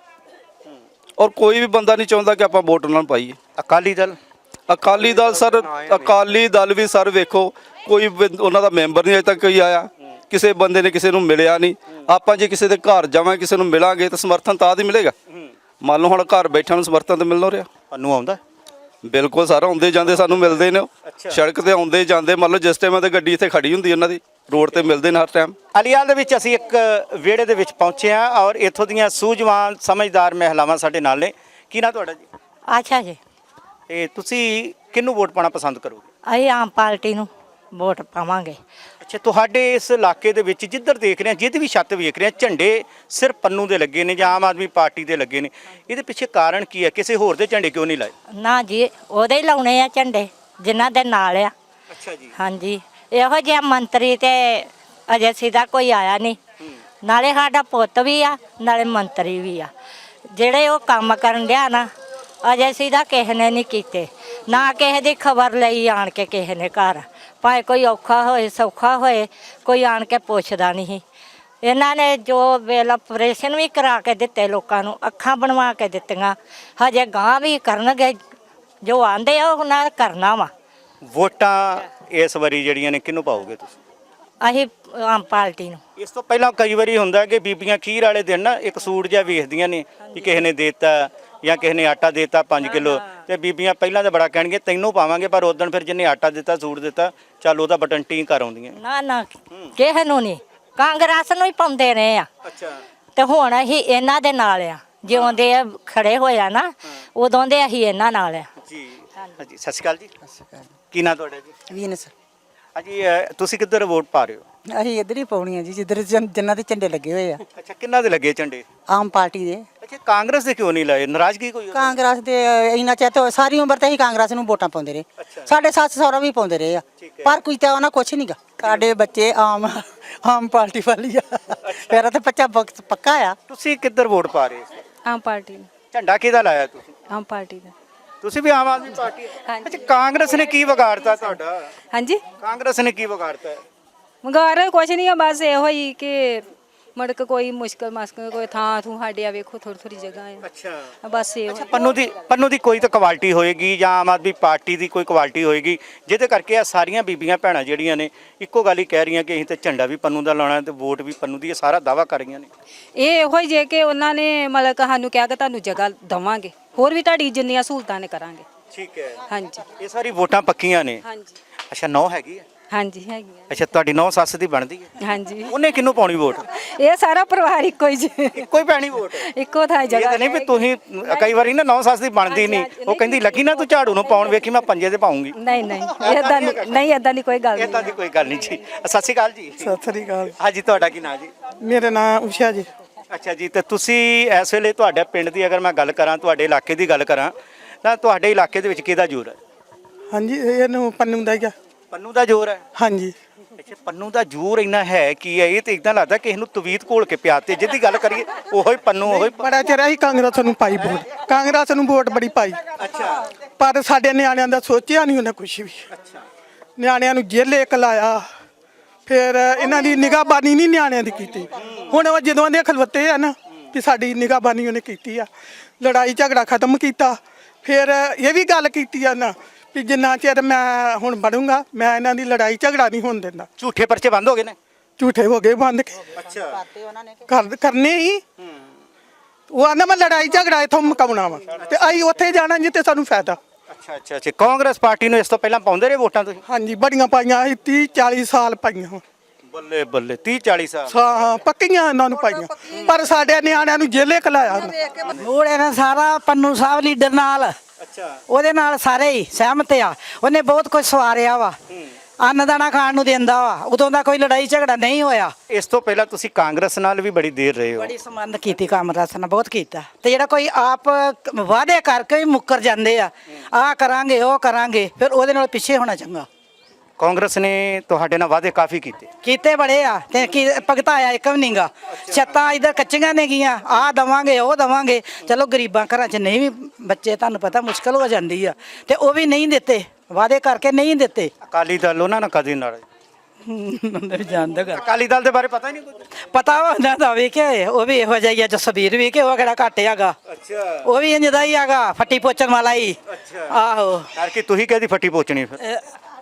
Speaker 14: ਔਰ ਕੋਈ ਵੀ ਬੰਦਾ ਨਹੀਂ ਚਾਹੁੰਦਾ ਕਿ ਆਪਾਂ ਵੋਟ ਉਹਨਾਂ ਨੂੰ ਪਾਈਏ।
Speaker 5: ਅਕਾਲੀ ਦਲ
Speaker 14: ਅਕਾਲੀ ਦਲ ਸਰ, ਅਕਾਲੀ ਦਲ ਵੀ ਸਰ ਵੇਖੋ ਕੋਈ ਬੰ- ਉਹਨਾਂ ਦਾ ਮੈਂਬਰ ਨਹੀਂ ਅਜੇ ਤੱਕ ਕੋਈ ਆਇਆ। ਕਿਸੇ ਬੰਦੇ ਨੇ ਕਿਸੇ ਨੂੰ ਮਿਲਿਆ ਨਹੀਂ। ਆਪਾਂ ਜੇ ਕਿਸੇ ਦੇ ਘਰ ਜਾਵਾਂ ਕਿਸੇ ਨੂੰ ਮਿਲਾਂਗੇ ਤਾਂ ਸਮਰਥਨ ਤਾਂ ਹੀ ਮਿਲੇਗਾ। ਮੰਨ ਲਓ ਹੁਣ ਘਰ ਬੈਠਿਆਂ ਨੂੰ ਸਮਰਥਨ ਤਾਂ ਮਿਲਣਾ ਰਿਹਾ।
Speaker 5: ਪੰਨੂ ਆਉਂਦਾ?
Speaker 14: ਬਿਲਕੁਲ ਸਰ, ਆਉਂਦੇ ਜਾਂਦੇ ਸਾਨੂੰ ਮਿਲਦੇ ਨੇ। ਸੜਕ ਤੇ ਆਉਂਦੇ ਜਾਂਦੇ, ਮੰਨ ਲਓ ਜਿਸ ਟਾਈਮ ਤੇ ਗੱਡੀ ਇੱਥੇ ਖੜੀ ਹੁੰਦੀ ਉਹਨਾਂ ਦੀ, ਰੋਡ ਤੇ ਮਿਲਦੇ ਨੇ ਹਰ ਟਾਈਮ।
Speaker 5: ਅਲੀਵਾਲ ਦੇ ਵਿੱਚ ਅਸੀਂ ਇੱਕ ਵਿਹੜੇ ਦੇ ਵਿੱਚ ਪਹੁੰਚੇ ਹਾਂ ਔਰ ਇੱਥੋਂ ਦੀਆਂ ਸੂਝਵਾਨ ਸਮਝਦਾਰ ਮਹਿਲਾਵਾਂ ਸਾਡੇ ਨਾਲ ਨੇ। ਕੀ ਨਾਂ ਤੁਹਾਡਾ ਜੀ?
Speaker 12: ਅੱਛਾ ਜੀ,
Speaker 5: ਤੇ ਤੁਸੀਂ ਕਿਹਨੂੰ ਵੋਟ ਪਾਉਣਾ ਪਸੰਦ ਕਰੋਗੇ?
Speaker 12: ਅਸੀਂ ਆਮ ਪਾਰਟੀ ਨੂੰ ਵੋਟ ਪਾਵਾਂਗੇ।
Speaker 5: ਅੱਛਾ, ਤੁਹਾਡੇ ਇਸ ਇਲਾਕੇ ਦੇ ਵਿੱਚ ਜਿੱਧਰ ਦੇਖ ਰਹੇ ਹਾਂ, ਜਿਹਦੀ ਵੀ ਛੱਤ ਵੇਖ ਰਹੇ ਹਾਂ, ਝੰਡੇ ਸਿਰਫ ਪੰਨੂ ਦੇ ਲੱਗੇ ਨੇ ਜਾਂ ਆਮ ਆਦਮੀ ਪਾਰਟੀ ਦੇ ਲੱਗੇ ਨੇ, ਇਹਦੇ ਪਿੱਛੇ ਕਾਰਨ ਕੀ ਹੈ? ਕਿਸੇ ਹੋਰ ਦੇ ਝੰਡੇ ਕਿਉਂ ਨਹੀਂ ਲਾਏ?
Speaker 12: ਨਾ ਜੀ, ਉਹਦੇ ਹੀ ਲਾਉਣੇ ਆ ਝੰਡੇ ਜਿਨ੍ਹਾਂ ਦੇ ਨਾਲ ਆ।
Speaker 5: ਅੱਛਾ ਜੀ।
Speaker 12: ਹਾਂਜੀ, ਇਹੋ ਜਿਹਾ ਮੰਤਰੀ ਤੇ ਅਜੇ ਸਿੱਧਾ ਕੋਈ ਆਇਆ ਨਹੀਂ। ਨਾਲੇ ਸਾਡਾ ਪੁੱਤ ਵੀ ਆ, ਨਾਲੇ ਮੰਤਰੀ ਵੀ ਆ। ਜਿਹੜੇ ਉਹ ਕੰਮ ਕਰਨ ਡਿਆ ਨਾ, ਅਜੇ ਸਿੱਧਾ ਕਿਸੇ ਨੇ ਨਹੀਂ ਕੀਤੇ। ਨਾ ਕਿਸੇ ਦੀ ਖਬਰ ਲਈ ਆਣ ਕੇ ਕਿਸੇ ਨੇ ਘਰ, ਭਾਵੇਂ ਕੋਈ ਔਖਾ ਹੋਏ ਸੌਖਾ ਹੋਏ, ਕੋਈ ਆਣ ਕੇ ਪੁੱਛਦਾ ਨਹੀਂ। ਇਹਨਾਂ ਨੇ ਜੋ ਵੇਲ ਆਪਰੇਸ਼ਨ ਵੀ ਕਰਾ ਕੇ ਦਿੱਤੇ ਲੋਕਾਂ ਨੂੰ, ਅੱਖਾਂ ਬਣਵਾ ਕੇ ਦਿੱਤੀਆਂ, ਹਜੇ ਗਾਂ ਵੀ ਕਰਨਗੇ। ਜੋ ਆਂਦੇ ਆ ਉਹਨਾਂ ਨੇ ਕਰਨਾ ਵਾ।
Speaker 5: ਵੋਟਾਂ ਇਸ ਵਾਰੀ ਜਿਹੜੀਆਂ ਨੇ ਕਿਹਨੂੰ ਪਾਓਗੇ ਤੁਸੀਂ?
Speaker 12: ਅਸੀਂ ਆਮ ਪਾਰਟੀ ਨੂੰ।
Speaker 5: ਇਸ ਤੋਂ ਪਹਿਲਾਂ ਕਈ ਵਾਰੀ ਹੁੰਦਾ ਕਿ ਬੀਬੀਆਂ ਖੀਰ ਵਾਲੇ ਦਿਨ ਨਾ ਇੱਕ ਸੂਟ ਜਿਹਾ ਵੇਖਦੀਆਂ ਨੇ ਕਿ ਕਿਸੇ ਨੇ ਦੇਤਾ ਜਾਂ ਕਿਸੇ ਨੇ ਆਟਾ ਦੇਤਾ ਪੰਜ ਕਿਲੋ, ਤੇ ਬੀਬੀਆਂ ਪਹਿਲਾਂ ਤਾਂ ਬੜਾ ਕਹਿਣਗੇ ਤੈਨੂੰ ਪਾਵਾਂਗੇ, ਪਰ ਉਦੋਂ ਫਿਰ ਜਿਹਨੇ ਆਟਾ ਦਿੱਤਾ ਸੂਟ ਦਿੱਤਾ ਚੱਲ ਉਹਦਾ ਬਟਨ ਟੀ ਕਰ ਆਉਂਦੀਆਂ।
Speaker 12: ਨਾ ਨਾ, ਕਿਸੇ ਨੂੰ ਨਹੀਂ, ਕਾਂਗਰਸ ਨੂੰ ਹੀ ਪਾਉਂਦੇ ਰਹੇ ਆ।
Speaker 5: ਅੱਛਾ,
Speaker 12: ਤੇ ਹੁਣ ਅਸੀਂ ਇਹਨਾਂ ਦੇ ਨਾਲ ਆ। ਜਿਉਂ ਦੇ ਖੜੇ ਹੋਇਆ ਨਾ, ਉਦੋਂ ਦੇ ਅਸੀਂ ਇਹਨਾਂ ਨਾਲ ਆ
Speaker 5: ਜੀ। ਹਾਂਜੀ, ਸਤਿ ਸ਼੍ਰੀ ਅਕਾਲ ਜੀ। ਸਤਿ ਸ਼੍ਰੀ ਅਕਾਲ। ਕੀ ਨਾਂ ਤੁਹਾਡਾ ਜੀ?
Speaker 4: ਵੀਨਸ।
Speaker 5: ਹਾਂਜੀ, ਤੁਸੀਂ ਕਿੱਧਰ ਵੋਟ ਪਾ ਰਹੇ ਹੋ?
Speaker 4: ਅਸੀਂ ਇੱਧਰ ਹੀ ਪਾਉਣੀ ਆ ਜੀ, ਜਿੱਧਰ ਜਿਨ੍ਹਾਂ ਦੇ ਝੰਡੇ ਲੱਗੇ ਹੋਏ ਆ।
Speaker 5: ਅੱਛਾ, ਕਿੰਨਾ ਦੇ ਲੱਗੇ ਝੰਡੇ?
Speaker 4: ਆਮ ਪਾਰਟੀ ਦੇ।
Speaker 5: ਅੱਛਾ, ਕਾਂਗਰਸ ਦੇ ਕਿਉਂ ਨਹੀਂ ਲਾਏ? ਨਾਰਾਜ਼ਗੀ ਕੋਈ?
Speaker 4: ਕਾਂਗਰਸ ਦੇ ਇੰਨਾ ਚਿਰ ਤੋਂ ਸਾਰੀ ਉਮਰ ਤੇ ਅਸੀਂ ਕਾਂਗਰਸ ਨੂੰ ਵੋਟਾਂ ਪਾਉਂਦੇ ਰਹੇ। ਸਾਡੇ ਸੱਸ ਸਹੁਰਾ ਵੀ ਪਾਉਂਦੇ ਰਹੇ ਆ, ਪਰ ਕੋਈ ਤਾਂ ਉਹਨਾਂ ਕੁਛ ਨਹੀਂਗਾ। ਸਾਡੇ ਬੱਚੇ ਆਮ ਆਮ ਪਾਰਟੀ ਵਾਲੀ ਆ। ਮੇਰਾ ਤਾਂ ਬੱਚਾ ਪੱਕਾ ਆ।
Speaker 5: ਤੁਸੀਂ ਕਿੱਧਰ ਵੋਟ ਪਾ ਰਹੇ ਹੋ?
Speaker 6: ਆਮ ਪਾਰਟੀ ਨੂੰ।
Speaker 5: ਝੰਡਾ ਕਿਹਦਾ ਲਾਇਆ ਤੁਸੀਂ?
Speaker 6: ਆਮ ਪਾਰਟੀ ਦਾ।
Speaker 5: ਤੁਸੀਂ ਵੀ ਆਮ ਆਦਮੀ ਪਾਰਟੀ? ਅੱਛਾ, ਕਾਂਗਰਸ ਨੇ ਕੀ ਵਿਗਾੜਤਾ ਤੁਹਾਡਾ?
Speaker 6: ਹਾਂਜੀ,
Speaker 5: ਕਾਂਗਰਸ ਨੇ ਕੀ ਵਿਗਾੜਤਾ?
Speaker 6: ਮੰਗਾਰ ਕੁਛ ਨਹੀਂ ਆ, ਬਸ ਇਹੋ ਹੀ ਕਿ
Speaker 15: ਮੁੜ ਕੇ ਕੋਈ ਮੁਸ਼ਕਲ ਮਾਸਕਲ ਕੋਈ ਥਾਂ ਥੂ ਸਾਡੇ ਆ ਵੇਖੋ ਥੋੜੀ ਥੋੜੀ ਜਗ੍ਹਾ ਆ
Speaker 5: ਅੱਛਾ
Speaker 15: ਬਸ ਇਹ
Speaker 5: ਪੰਨੂ ਦੀ ਪੰਨੂ ਦੀ ਕੋਈ ਤਾਂ ਕੁਆਲਿਟੀ ਹੋਏਗੀ ਜਾਂ ਆਮ ਆਦਮੀ ਪਾਰਟੀ ਦੀ ਕੋਈ ਕੁਆਲਿਟੀ ਹੋਏਗੀ ਜਿਹਦੇ ਕਰਕੇ ਆ ਸਾਰੀਆਂ ਬੀਬੀਆਂ ਭੈਣਾਂ ਜਿਹੜੀਆਂ ਨੇ ਇੱਕੋ ਗੱਲ ਹੀ ਕਹਿ ਰਹੀਆਂ ਕਿ ਅਸੀਂ ਤੇ ਝੰਡਾ ਵੀ ਪੰਨੂ ਦਾ ਲਾਉਣਾ ਤੇ ਵੋਟ ਵੀ ਪੰਨੂ ਦੀ, ਇਹ ਸਾਰਾ ਦਾਵਾ ਕਰ ਰਹੀਆਂ ਨੇ।
Speaker 15: ਇਹ ਇਹੋ ਹੀ ਜੇ ਕਿ ਉਹਨਾਂ ਨੇ ਮਤਲਬ ਕਿ ਸਾਨੂੰ ਕਿਹਾ ਕਿ ਤੁਹਾਨੂੰ ਜਗ੍ਹਾ ਦਵਾਂਗੇ, ਹੋਰ ਵੀ ਤੁਹਾਡੀ ਜਿੰਨੀਆਂ ਸਹੂਲਤਾਂ ਨੇ ਕਰਾਂਗੇ।
Speaker 5: ਠੀਕ ਹੈ,
Speaker 15: ਹਾਂਜੀ
Speaker 5: ਇਹ ਸਾਰੀ ਵੋਟਾਂ ਪੱਕੀਆਂ ਨੇ।
Speaker 15: ਹਾਂਜੀ
Speaker 5: ਅੱਛਾ, ਨੌ ਹੈਗੀ ਹੈ?
Speaker 15: ਹਾਂਜੀ ਹੈਗੀਆਂ।
Speaker 5: ਅੱਛਾ, ਤੁਹਾਡੀ ਨੌ ਸੱਸ ਦੀ ਬਣਦੀ ਹੈ?
Speaker 15: ਹਾਂਜੀ।
Speaker 5: ਉਹਨੇ ਕਿਹਨੂੰ ਪਾਉਣੀ ਵੋਟ?
Speaker 15: ਇਹ ਸਾਰਾ ਪਰਿਵਾਰ ਇੱਕੋ ਹੀ ਜੀ,
Speaker 5: ਇੱਕੋ ਹੀ ਪੈਣੀ ਵੋਟ?
Speaker 15: ਇੱਕੋ ਥਾਂ
Speaker 5: ਇਹ
Speaker 15: ਜਗ੍ਹਾ
Speaker 5: ਤਾਂ ਨਹੀਂ ਵੀ ਤੁਸੀਂ ਕਈ ਵਾਰੀ ਨਾ ਨੌ ਸੱਸ ਦੀ ਬਣਦੀ ਨਹੀਂ, ਉਹ ਕਹਿੰਦੀ ਲੱਗੀ ਨਾ ਤੂੰ ਝਾੜੂ ਨੂੰ ਪਾਉਣ, ਵੇਖੀ ਮੈਂ ਪੰਜੇ ਤੇ ਪਾਉਂਗੀ।
Speaker 15: ਨਹੀਂ ਨਹੀਂ ਇਦਾਂ ਨਹੀਂ, ਇਦਾਂ ਦੀ ਕੋਈ ਗੱਲ ਨਹੀਂ।
Speaker 5: ਇਦਾਂ ਦੀ ਕੋਈ ਗੱਲ ਨਹੀਂ ਜੀ। ਸਤਿ ਸ਼੍ਰੀ ਅਕਾਲ ਜੀ।
Speaker 9: ਸਤਿ ਸ੍ਰੀ ਅਕਾਲ।
Speaker 5: ਹਾਂਜੀ, ਤੁਹਾਡਾ ਕੀ ਨਾਂ ਜੀ?
Speaker 9: ਮੇਰਾ ਨਾਮ ਉਸ਼ਾ ਜੀ।
Speaker 5: ਅੱਛਾ ਜੀ, ਤੇ ਤੁਸੀਂ ਇਸ ਵੇਲੇ ਤੁਹਾਡੇ ਪਿੰਡ ਦੀ ਅਗਰ ਮੈਂ ਗੱਲ ਕਰਾਂ, ਤੁਹਾਡੇ ਇਲਾਕੇ ਦੀ ਗੱਲ ਕਰਾਂ, ਤਾਂ ਤੁਹਾਡੇ ਇਲਾਕੇ ਦੇ ਵਿੱਚ ਕਿਹਦਾ ਜ਼ੋਰ ਹੈ?
Speaker 9: ਹਾਂਜੀ, ਇਹਨੂੰ ਪੰਨੂ ਦਾ ਹੀ ਆ।
Speaker 5: ਪੰਨੂ ਦਾ ਜ਼ੋਰ ਹੈ?
Speaker 9: ਹਾਂਜੀ।
Speaker 5: ਅੱਛਾ, ਪੰਨੂ ਦਾ ਜ਼ੋਰ ਇੰਨਾ ਹੈ ਕੀ ਹੈ? ਇਹ ਤੇ ਇਦਾਂ ਲੱਗਦਾ ਕਿ ਇਹਨੂੰ ਤਵੀਤ ਘੋਲ ਕੇ ਪਿਆਤੇ, ਜਿੱਦੀ ਗੱਲ ਕਰੀਏ ਉਹੀ ਪੰਨੂ ਉਹੀ।
Speaker 9: ਬੜਾ ਚਿਰ ਅਸੀਂ ਕਾਂਗਰਸ ਨੂੰ ਪਾਈ ਵੋਟ, ਕਾਂਗਰਸ ਨੂੰ ਵੋਟ ਬੜੀ ਪਾਈ।
Speaker 5: ਅੱਛਾ।
Speaker 9: ਪਰ ਸਾਡੇ ਨਿਆਣਿਆਂ ਦਾ ਸੋਚਿਆ ਨਹੀਂ ਉਹਨੇ ਕੁਝ ਵੀ।
Speaker 5: ਅੱਛਾ।
Speaker 9: ਨਿਆਣਿਆਂ ਨੂੰ ਜੇਲੇ ਕਲਾਇਆ, ਫਿਰ ਇਹਨਾਂ ਦੀ ਨਿਗਾਹਬਾਨੀ ਨਹੀਂ ਨਿਆਣਿਆਂ ਦੀ ਕੀਤੀ। ਹੁਣ ਉਹ ਜਦੋਂ ਦੇ ਖਲਵੱਤੇ ਆ ਨਾ ਕਿ ਸਾਡੀ ਨਿਗਾਹਬਾਨੀ ਉਹਨੇ ਕੀਤੀ ਆ, ਲੜਾਈ ਝਗੜਾ ਖਤਮ ਕੀਤਾ। ਫਿਰ ਇਹ ਵੀ ਗੱਲ ਕੀਤੀ ਆ ਨਾ ਵੀ ਜਿੰਨਾ ਚਿਰ ਮੈਂ ਹੁਣ ਬਣੂੰਗਾ ਮੈਂ ਇਹਨਾਂ ਦੀ ਲੜਾਈ ਝਗੜਾ ਨਹੀਂ ਹੋਣ ਦਿੰਦਾ।
Speaker 5: ਝੂਠੇ ਪਰਚੇ ਬੰਦ ਹੋ ਗਏ ਨੇ?
Speaker 9: ਝੂਠੇ ਹੋ ਗਏ ਬੰਦ।
Speaker 5: ਅੱਛਾ।
Speaker 9: ਕਰ ਕਰਨੇ ਹੀ ਉਹ ਆਂਦਾ ਮੈਂ ਲੜਾਈ ਝਗੜਾ ਇਥੋਂ ਮੁਕਾਉਣਾ ਵਾ ਤੇ ਅਸੀਂ ਉੱਥੇ ਜਾਣਾ ਜਿੱਥੇ ਸਾਨੂੰ ਫਾਇਦਾ।
Speaker 5: ਅੱਛਾ ਅੱਛਾ ਅੱਛਾ। ਕਾਂਗਰਸ ਪਾਰਟੀ ਨੂੰ ਇਸ ਤੋਂ ਪਹਿਲਾਂ ਪਾਉਂਦੇ ਰਹੇ ਵੋਟਾਂ ਤੁਸੀਂ?
Speaker 9: ਹਾਂਜੀ, ਬੜੀਆਂ ਪਾਈਆਂ ਅਸੀਂ ਤੀਹ ਚਾਲੀ ਸਾਲ ਪਾਈਆਂ।
Speaker 5: ਬੱਲੇ ਬੱਲੇ, ਤੀਹ ਚਾਲੀ ਸਾਲ।
Speaker 9: ਹਾਂ, ਪੱਕੀਆਂ ਇਹਨਾਂ ਨੂੰ ਪਾਈਆਂ, ਪਰ ਸਾਡੇ ਨਿਆਣਿਆਂ ਨੂੰ ਜੇਲੇ ਕਲਾਇਆ।
Speaker 4: ਮੂੜ ਇਹਨਾਂ ਸਾਰਾ ਪੰਨੂ ਸਾਹਿਬ ਲੀਡਰ ਨਾਲ,
Speaker 5: ਅੱਛਾ,
Speaker 4: ਉਹਦੇ ਨਾਲ ਸਾਰੇ ਹੀ ਸਹਿਮਤ ਆ। ਉਹਨੇ ਬਹੁਤ ਕੁਝ ਸਵਾਰਿਆ ਵਾ, ਅੰਨ ਦਾਣਾ ਖਾਣ ਨੂੰ ਦਿੰਦਾ ਵਾ, ਉਦੋਂ ਦਾ ਕੋਈ ਲੜਾਈ ਝਗੜਾ ਨਹੀਂ ਹੋਇਆ।
Speaker 5: ਇਸ ਤੋਂ ਪਹਿਲਾਂ ਤੁਸੀਂ ਕਾਂਗਰਸ ਨਾਲ ਵੀ ਬੜੀ ਦੇਰ ਰਹੇ ਹੋ?
Speaker 4: ਬੜੀ ਸੰਬੰਧ ਕੀਤੀ ਕਾਂਗਰਸ ਨਾਲ, ਬਹੁਤ ਕੀਤਾ। ਤੇ ਜਿਹੜਾ ਕੋਈ ਆਪ ਵਾਅਦੇ ਕਰਕੇ ਵੀ ਮੁੱਕਰ ਜਾਂਦੇ ਆ, ਆਹ ਕਰਾਂਗੇ ਉਹ ਕਰਾਂਗੇ, ਫਿਰ ਉਹਦੇ ਨਾਲ ਪਿੱਛੇ ਹੋਣਾ ਚੰਗਾ।
Speaker 5: ਕਾਂਗਰਸ ਨੇ ਤੁਹਾਡੇ ਨਾਲ ਵਾਅਦੇ ਕਾਫੀ ਕੀਤੇ?
Speaker 4: ਕੀਤੇ ਬੜੇ ਆ ਤੇ ਕੀ ਭਗਤਾਇਆ ਇੱਕ ਵੀ ਨਹੀਂਗਾ। ਛੱਤਾਂ ਇਧਰ ਕੱਚੀਆਂ ਨੇ ਗੀਆਂ, ਆਹ ਦਵਾਂਗੇ ਉਹ ਦਵਾਂਗੇ। ਚਲੋ ਗਰੀਬਾਂ ਘਰਾਂ 'ਚ ਨਹੀਂ ਵੀ ਬੱਚੇ, ਤੁਹਾਨੂੰ ਪਤਾ ਮੁਸ਼ਕਲ ਹੋ ਜਾਂਦੀ ਆ, ਤੇ ਉਹ ਵੀ ਨਹੀਂ ਦਿੱਤੇ, ਵਾਅਦੇ ਕਰਕੇ ਨਹੀਂ ਦਿੱਤੇ।
Speaker 5: ਅਕਾਲੀ ਦਲ ਉਹਨਾਂ ਨਾਲ ਕਦੇ ਨਾਲ?
Speaker 4: ਬੰਦੇ ਜਾਣਦਾ ਕਰ
Speaker 5: ਅਕਾਲੀ ਦਲ ਦੇ ਬਾਰੇ ਪਤਾ ਹੀ ਨਹੀਂ ਕੁਝ?
Speaker 4: ਪਤਾ ਉਹਨਾਂ ਦਾ ਵੀ ਕਿ ਉਹ ਵੀ ਇਹੋ ਜਿਹਾ ਹੀ ਆ, ਜਸਬੀਰ ਵੀ ਕਿ ਉਹ ਕਿਹੜਾ ਘੱਟ ਹੈਗਾ।
Speaker 5: ਅੱਛਾ।
Speaker 4: ਉਹ ਵੀ ਇੰਜ ਦਾ ਹੀ ਹੈਗਾ, ਫੱਟੀ ਪੋਚਣ ਵਾਲਾ ਹੀ।
Speaker 5: ਅੱਛਾ।
Speaker 4: ਆਹੋ,
Speaker 5: ਕਰਕੇ ਤੁਸੀਂ ਕਿਹਦੀ ਫੱਟੀ ਪੋਚਣੀ ਫਿਰ?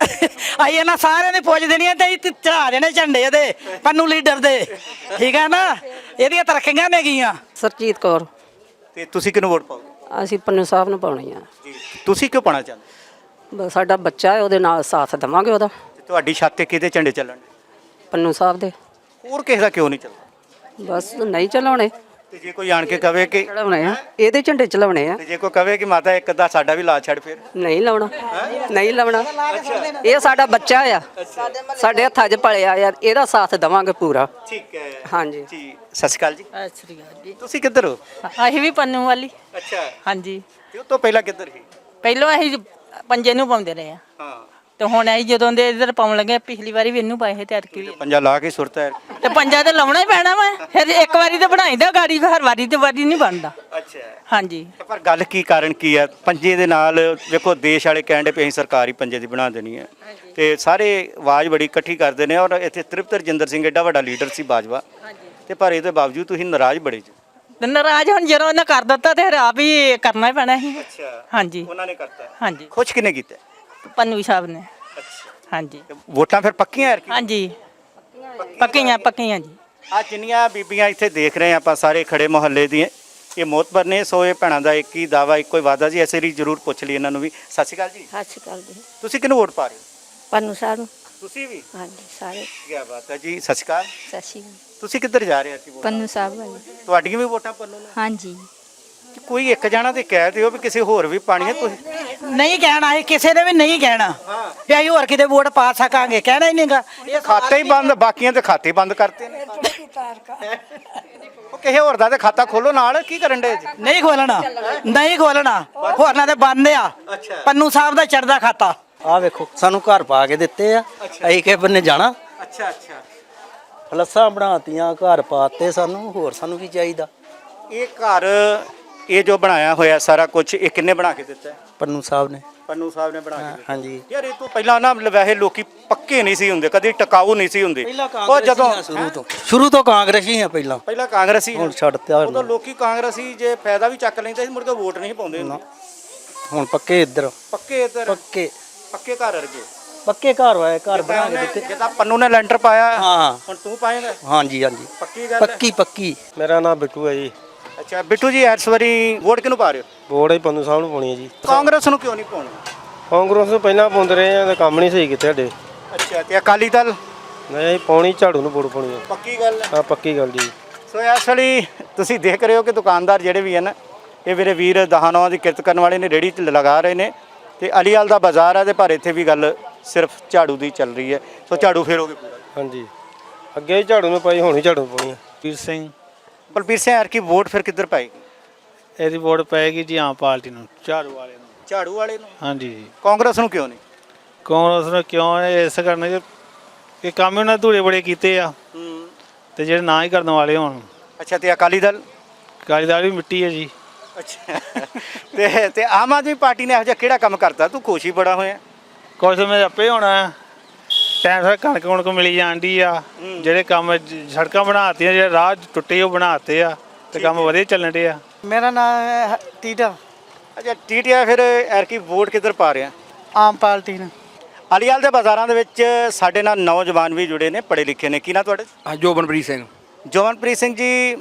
Speaker 4: ਆਈ ਇਹਨਾਂ ਸਾਰਿਆਂ ਨੇ ਪੁੱਛ ਦੇਣੀਆਂ ਤੇ ਚੜਾ ਦੇਣੇ ਝੰਡੇ ਇਹਦੇ ਪੰਨੂ ਲੀਡਰ ਦੇ, ਠੀਕ ਹੈ ਨਾ। ਇਹਦੀਆਂ ਤਰੱਕੀਆਂ ਨੇ ਗੀਆਂ।
Speaker 16: ਸਰਜੀਤ ਕੌਰ।
Speaker 5: ਤੇ ਤੁਸੀਂ ਕਿਹਨੂੰ ਵੋਟ ਪਾਓਗੇ?
Speaker 16: ਅਸੀਂ ਪੰਨੂ ਸਾਹਿਬ ਨੂੰ ਪਾਉਣੀ ਆ
Speaker 5: ਜੀ। ਤੁਸੀਂ ਕਿਉਂ ਪਾਣਾ ਚਾਹੁੰਦੇ?
Speaker 16: ਬਸ ਸਾਡਾ ਬੱਚਾ ਹੈ, ਉਹਦੇ ਨਾਲ ਸਾਥ ਦੇਵਾਂਗੇ ਉਹਦਾ।
Speaker 5: ਤੇ ਤੁਹਾਡੀ ਛੱਤ ਤੇ ਕਿਹਦੇ ਝੰਡੇ ਚੱਲਣ?
Speaker 16: ਪੰਨੂ ਸਾਹਿਬ ਦੇ।
Speaker 5: ਹੋਰ ਕਿਸੇ ਦਾ ਕਿਉਂ ਨਹੀਂ ਚੱਲਦਾ?
Speaker 16: ਬਸ ਨਹੀਂ ਚਲਾਉਣੇ।
Speaker 5: ਤੇ ਜੇ ਕੋਈ ਆਣ ਕੇ ਕਵੇ ਕਿ
Speaker 16: ਚਲਾਉਣੇ ਆ, ਇਹਦੇ ਝੰਡੇ ਚਲਾਉਣੇ ਆ।
Speaker 5: ਤੇ ਜੇ ਕੋਈ ਕਵੇ ਕਿ ਮਾਤਾ ਇੱਕ ਦਾ ਸਾਡਾ ਵੀ ਲਾ ਛੱਡ, ਫਿਰ?
Speaker 16: ਨਹੀਂ ਲਾਉਣਾ, ਨਹੀਂ ਲਾਉਣਾ। ਇਹ ਸਾਡਾ ਬੱਚਾ ਆ, ਸਾਡੇ ਹੱਥਾਂ 'ਚ ਪਲਿਆ ਆ, ਇਹਦਾ ਸਾਥ ਦੇਵਾਂਗੇ ਪੂਰਾ।
Speaker 5: ਠੀਕ ਹੈ।
Speaker 16: ਹਾਂਜੀ
Speaker 5: ਜੀ। ਸਤਿ ਸ਼੍ਰੀ ਅਕਾਲ ਜੀ।
Speaker 17: ਸਤਿ ਸ੍ਰੀ ਅਕਾਲ ਜੀ।
Speaker 5: ਤੁਸੀਂ ਕਿੱਧਰ ਹੋ?
Speaker 17: ਅਸੀਂ ਵੀ ਪੰਨੂ ਵਾਲੀ।
Speaker 5: ਅੱਛਾ।
Speaker 17: ਹਾਂਜੀ।
Speaker 5: ਤੇ ਉਹ ਤੋਂ ਪਹਿਲਾਂ ਕਿੱਧਰ ਸੀ?
Speaker 17: ਪਹਿਲਾਂ ਅਸੀਂ ਪੰਜੇ ਨੂੰ ਪਾਉਂਦੇ ਰਹੇ ਆ,
Speaker 5: ਹਾਂ।
Speaker 17: ਤੇ ਹੁਣ ਅਸੀਂ ਜਦੋਂ ਦੇ ਇਧਰ ਪਾਉਣ ਲੱਗੇ, ਪਿਛਲੀ ਵਾਰੀ ਵੀ ਇਹਨੂੰ ਪਾਏ ਸੀ ਤੇ ਅਰਕੀ ਵੀ।
Speaker 5: ਪੰਜਾ ਲਾ ਕੇ ਸੁਰਤਾ ਹੈ।
Speaker 17: ਤੇ ਪੰਜਾ ਤੇ ਲਾਉਣਾ ਹੀ ਪੈਣਾ ਵਾ, ਫਿਰ ਇੱਕ ਵਾਰੀ ਤੇ ਬਣਾਈਦਾ ਗਾੜੀ, ਹਰ ਵਾਰੀ ਤੇ ਵਾਰੀ ਨਹੀਂ ਬਣਦਾ।
Speaker 5: ਅੱਛਾ।
Speaker 17: ਹਾਂਜੀ।
Speaker 5: ਪਰ ਗੱਲ ਕੀ ਕਾਰਨ ਕੀ ਹੈ ਪੰਜੇ ਦੇ ਨਾਲ? ਵੇਖੋ ਦੇਸ਼ ਵਾਲੇ ਕਹਿੰਦੇ ਪਏ ਅਸੀਂ ਸਰਕਾਰ ਹੀ ਪੰਜੇ ਦੀ ਬਣਾ ਦੇਣੀ ਹੈ, ਤੇ ਸਾਰੇ ਆਵਾਜ਼ ਬੜੀ ਇਕੱਠੀ ਕਰਦੇ ਨੇ। ਔਰ ਇੱਥੇ ਤ੍ਰਿਪਤ ਰਜਿੰਦਰ ਸਿੰਘ ਏਡਾ ਵੱਡਾ ਲੀਡਰ ਸੀ ਬਾਜਵਾ, ਤੇ ਪਰ ਇਹਦੇ ਬਾਵਜੂਦ ਤੁਸੀਂ ਨਾਰਾਜ਼ ਬੜੇ ਜੀ।
Speaker 17: ਤੇ ਨਾਰਾਜ਼ ਹੁਣ ਜਦੋਂ ਉਹਨਾਂ ਕਰ ਦਿੱਤਾ ਤੇ ਫਿਰ ਆਪ ਹੀ ਕਰਨਾ ਹੀ ਪੈਣਾ ਸੀ।
Speaker 5: ਅੱਛਾ।
Speaker 17: ਹਾਂਜੀ।
Speaker 5: ਉਹਨਾਂ ਨੇ ਕਰਤਾ?
Speaker 17: ਹਾਂਜੀ।
Speaker 5: ਖੁਸ਼ ਕਿਨੇ ਕੀਤਾ?
Speaker 17: ਪੰਨੂ ਸਾਹਿਬ ਨੇ।
Speaker 5: ਅੱਛਾ।
Speaker 17: ਹਾਂਜੀ।
Speaker 5: ਵੋਟਾਂ ਫਿਰ ਪੱਕੀਆਂ ਯਾਰ?
Speaker 17: ਹਾਂਜੀ, ਪੱਕੀਆਂ ਪੱਕੀਆਂ ਜੀ।
Speaker 5: ਆ ਜਿੰਨੀਆਂ ਬੀਬੀਆਂ ਇੱਥੇ ਦੇਖ ਰਹੇ ਆਪਾਂ ਸਾਰੇ ਖੜੇ ਮੁਹੱਲੇ ਦੀਆਂ, ਇਹ ਮੋਤਬਰ ਨੇ। ਸੋ ਇਹ ਭੈਣਾਂ ਦਾ ਇੱਕ ਹੀ ਦਾਵਾ, ਇੱਕੋ ਹੀ ਵਾਦਾ ਜੀ। ਐਸੇ ਲਈ ਜ਼ਰੂਰ ਪੁੱਛ ਲਈ ਇਹਨਾਂ ਨੂੰ ਵੀ। ਸਤਿ ਸ਼੍ਰੀ ਅਕਾਲ ਜੀ।
Speaker 12: ਸਤਿ ਸ਼੍ਰੀ ਅਕਾਲ ਜੀ।
Speaker 5: ਤੁਸੀਂ ਕਿਹਨੂੰ ਵੋਟ ਪਾ ਰਹੇ ਹੋ?
Speaker 12: ਪੰਨੂ ਸਾਹਿਬ ਨੂੰ।
Speaker 5: ਤੁਸੀਂ ਵੀ?
Speaker 12: ਹਾਂਜੀ, ਸਾਰੇ।
Speaker 5: ਕੀ ਬਾਤ ਹੈ ਜੀ। ਸਤਿ ਸ਼੍ਰੀ ਅਕਾਲ।
Speaker 12: ਸਤਿ ਸ਼੍ਰੀ ਅਕਾਲ।
Speaker 5: ਤੁਸੀਂ ਕਿੱਧਰ ਜਾ ਰਹੇ ਸੀ?
Speaker 12: ਪੰਨੂ ਸਾਹਿਬ ਵਾਲੀ।
Speaker 5: ਤੁਹਾਡੀਆਂ ਵੀ ਵੋਟਾਂ ਪੰਨੂ ਨੂੰ?
Speaker 12: ਹਾਂਜੀ।
Speaker 5: ਕੋਈ ਇੱਕ ਜਾਣਾ ਤੇ ਕਹਿ ਦਿਓ ਵੀ ਕਿਸੇ ਹੋਰ ਵੀ ਪਾਣੀ ਹੈ। ਤੁਸੀਂ
Speaker 4: ਨਹੀਂ ਕਹਿਣਾ, ਇਹ ਕਿਸੇ ਨੇ ਵੀ ਨਹੀਂ ਕਹਿਣਾ ਵੀ ਅਸੀਂ ਹੋਰ ਕਿਤੇ ਵੋਟ ਪਾ ਸਕਾਂਗੇ, ਕਹਿਣਾ ਹੀ ਨਹੀਂਗਾ।
Speaker 5: ਇਹ ਖਾਤੇ ਹੀ ਬੰਦ, ਬਾਕੀਆਂ ਦੇ ਖਾਤੇ ਬੰਦ ਕਰਤੇ ਨੇ। ਉਹ ਕਿਸੇ ਹੋਰ ਦਾ ਤੇ ਖਾਤਾ ਖੋਲੋ ਨਾਲ, ਕੀ ਕਰਨ ਦੇ ਜੀ?
Speaker 4: ਨਹੀਂ ਖੋਲਣਾ, ਨਹੀਂ ਖੋਲਣਾ, ਹੋਰਨਾਂ ਦੇ ਬੰਦ ਆ। ਪੰਨੂ ਸਾਹਿਬ ਦਾ ਚੜਦਾ ਖਾਤਾ।
Speaker 18: ਆ ਵੇਖੋ, ਸਾਨੂੰ ਘਰ ਪਾ ਕੇ ਦਿੱਤੇ ਆ, ਅਸੀਂ ਕਿਸੇ ਬੰਨੇ ਜਾਣਾ।
Speaker 5: ਅੱਛਾ ਅੱਛਾ।
Speaker 18: ਫਲੱਸਾਂ ਬਣਾਤੀਆਂ, ਘਰ ਪਾਤੇ ਸਾਨੂੰ, ਹੋਰ ਸਾਨੂੰ ਕੀ ਚਾਹੀਦਾ?
Speaker 5: ਇਹ ਘਰ ਇਹ ਜੋ ਬਣਾਇਆ ਹੋਇਆ ਸਾਰਾ ਕੁਝ ਇਹ ਕਿੰਨੇ ਬਣਾ ਕੇ ਦਿੱਤਾ ਹੈ?
Speaker 18: ਪੰਨੂ ਸਾਹਿਬ ਨੇ।
Speaker 5: ਪੰਨੂ ਸਾਹਿਬ ਨੇ ਬਣਾ ਕੇ ਦਿੱਤਾ।
Speaker 18: ਹਾਂਜੀ
Speaker 5: ਯਾਰ ਇਹ ਤੋਂ ਪਹਿਲਾਂ ਨਾ ਵੈਸੇ ਲੋਕੀ ਪੱਕੇ ਨਹੀਂ ਸੀ ਹੁੰਦੇ, ਕਦੀ ਟਿਕਾਊ ਨਹੀਂ ਸੀ ਹੁੰਦੇ। ਉਹ ਜਦੋਂ
Speaker 18: ਸ਼ੁਰੂ ਤੋਂ ਸ਼ੁਰੂ ਤੋਂ ਕਾਂਗਰਸੀ ਆ ਪਹਿਲਾਂ
Speaker 5: ਪਹਿਲਾਂ ਕਾਂਗਰਸੀ
Speaker 18: ਹੁਣ ਛੱਡਤਾ
Speaker 5: ਉਦੋਂ ਲੋਕੀ ਕਾਂਗਰਸੀ ਜੇ ਫਾਇਦਾ ਵੀ ਚੱਕ ਲੈਂਦੇ ਸੀ ਮੁੜ ਕੇ ਵੋਟ ਨਹੀਂ ਪਾਉਂਦੇ ਹੁੰਦੇ।
Speaker 18: ਹੁਣ ਪੱਕੇ ਇੱਧਰ
Speaker 5: ਪੱਕੇ ਇੱਧਰ
Speaker 18: ਪੱਕੇ
Speaker 5: ਪੱਕੇ ਘਰ ਵਰਗੇ
Speaker 18: ਪੱਕੇ ਘਰ ਹੋਏ ਘਰ ਬਣਾ ਕੇ ਦਿੱਤੇ।
Speaker 5: ਜਿੱਦਾਂ ਪੰਨੂ ਨੇ ਲੈਂਟਰ ਪਾਇਆ
Speaker 18: ਹਾਂ
Speaker 5: ਹੁਣ ਤੂੰ ਪਾਏਗਾ?
Speaker 18: ਹਾਂਜੀ ਹਾਂਜੀ
Speaker 5: ਪੱਕੀ ਗੱਲ ਹੈ।
Speaker 18: ਪੱਕੀ ਪੱਕੀ।
Speaker 2: ਮੇਰਾ ਨਾਮ ਬਿੱਟੂ ਹੈ ਜੀ।
Speaker 5: ਅੱਛਾ ਬਿੱਟੂ ਜੀ, ਇਸ ਵਾਰੀ ਵੋਟ ਕਿਹਨੂੰ ਪਾ ਰਹੇ ਹੋ?
Speaker 2: ਵੋਟ ਹੀ ਪੰਨੂ ਸਾਹਿਬ ਨੂੰ ਪਾਉਣੀ ਹੈ ਜੀ।
Speaker 5: ਕਾਂਗਰਸ ਨੂੰ ਕਿਉਂ ਨਹੀਂ ਪਾਉਣੀ?
Speaker 2: ਕਾਂਗਰਸ ਨੂੰ ਪਹਿਲਾਂ ਪਾਉਂਦੇ ਰਹੇ ਆ ਤੇ ਕੰਮ ਨਹੀਂ ਸਹੀ ਕੀਤੇ ਸਾਡੇ।
Speaker 5: ਅੱਛਾ ਤੇ ਅਕਾਲੀ ਦਲ?
Speaker 2: ਨਹੀਂ ਪਾਉਣੀ, ਝਾੜੂ ਨੂੰ ਵੋਟ ਪਾਉਣੀ ਹੈ।
Speaker 5: ਪੱਕੀ ਗੱਲ ਹੈ।
Speaker 2: ਹਾਂ ਪੱਕੀ ਗੱਲ ਜੀ।
Speaker 5: ਸੋ ਇਸ ਵਾਲੀ ਤੁਸੀਂ ਦੇਖ ਰਹੇ ਹੋ ਕਿ ਦੁਕਾਨਦਾਰ ਜਿਹੜੇ ਵੀ ਹਨ ਇਹ ਮੇਰੇ ਵੀਰ ਦਹਾਨੋਂ ਦੀ ਕਿਰਤ ਕਰਨ ਵਾਲੇ ਨੇ, ਰੇਹੜੀ ਲਗਾ ਰਹੇ ਨੇ ਤੇ ਅਲੀਵਾਲ ਦਾ ਬਾਜ਼ਾਰ ਹੈ ਤੇ ਪਰ ਇੱਥੇ ਵੀ ਗੱਲ ਸਿਰਫ ਝਾੜੂ ਦੀ ਚੱਲ ਰਹੀ ਹੈ। ਸੋ ਝਾੜੂ ਫੇਰੋਗੇ ਪੂਰਾ?
Speaker 2: ਹਾਂਜੀ ਅੱਗੇ ਹੀ ਝਾੜੂ ਨੂੰ ਪਾਈ, ਹੁਣ ਹੀ ਝਾੜੂ ਨੂੰ ਪਾਉਣੀ ਹੈ।
Speaker 19: ਬਲਬੀਰ ਸਿੰਘ।
Speaker 5: ਬਲਬੀਰ ਸਿੰਘ ਯਾਰ ਕੀ ਵੋਟ ਫਿਰ ਕਿੱਧਰ ਪਾਏਗੀ?
Speaker 19: ਇਹਦੀ ਵੋਟ ਪਏਗੀ ਜੀ ਆਮ ਪਾਰਟੀ ਨੂੰ, ਝਾੜੂ ਵਾਲੇ ਨੂੰ।
Speaker 5: ਝਾੜੂ ਵਾਲੇ ਨੂੰ?
Speaker 19: ਹਾਂਜੀ ਜੀ।
Speaker 5: ਕਾਂਗਰਸ ਨੂੰ ਕਿਉਂ ਨਹੀਂ?
Speaker 19: ਕਾਂਗਰਸ ਨੂੰ ਕਿਉਂ ਹੈ ਇਸ ਕਰਨੇ ਚ ਇਹ ਕੰਮ ਉਹਨਾਂ ਧੂੜੇ ਬੜੇ ਕੀਤੇ ਆ ਤੇ ਜਿਹੜੇ ਨਾ ਹੀ ਕਰਨ ਵਾਲੇ ਹੋਣ।
Speaker 5: ਅੱਛਾ ਤੇ ਅਕਾਲੀ ਦਲ?
Speaker 19: ਅਕਾਲੀ ਦਲ ਵੀ ਮਿੱਟੀ ਹੈ ਜੀ।
Speaker 5: ਅੱਛਾ ਤੇ ਤੇ ਆਮ ਆਦਮੀ ਪਾਰਟੀ ਨੇ ਇਹੋ ਜਿਹਾ ਕਿਹੜਾ ਕੰਮ ਕਰਤਾ? ਤੂੰ ਖੁਸ਼ ਹੀ ਬੜਾ ਹੋਇਆ।
Speaker 19: ਕੁਛ ਮੈਂ ਆਪੇ ਹੋਣਾ ਟਾਈਮ ਸਿਰ ਕਣਕ ਕੁਣਕ ਮਿਲੀ ਜਾਂਦੀ ਆ, ਜਿਹੜੇ ਕੰਮ ਜ- ਸੜਕਾਂ ਬਣਾਤੀਆਂ, ਜਿਹੜੇ ਰਾਹ ਟੁੱਟੇ ਉਹ ਬਣਾਤੇ ਆ ਤੇ ਕੰਮ ਵਧੀਆ ਚੱਲਣ ਡੇ ਆ।
Speaker 4: ਮੇਰਾ ਨਾਮ ਹੈ ਟੀਟਾ।
Speaker 5: ਅੱਛਾ ਟੀਟੀਆ, ਫਿਰ ਐਰਕੀ ਵੋਟ ਕਿੱਧਰ ਪਾ ਰਿਹਾ?
Speaker 4: ਆਮ ਪਾਰਟੀ ਨੂੰ।
Speaker 5: ਅਲੀਵਾਲ ਦੇ ਬਾਜ਼ਾਰਾਂ ਦੇ ਵਿੱਚ ਸਾਡੇ ਨਾਲ ਨੌਜਵਾਨ ਵੀ ਜੁੜੇ ਨੇ, ਪੜ੍ਹੇ ਲਿਖੇ ਨੇ। ਕੀ ਨਾ ਤੁਹਾਡੇ?
Speaker 18: ਜੋਬਨਪ੍ਰੀਤ ਸਿੰਘ।
Speaker 5: ਜੋਬਨਪ੍ਰੀਤ ਸਿੰਘ ਜੀ,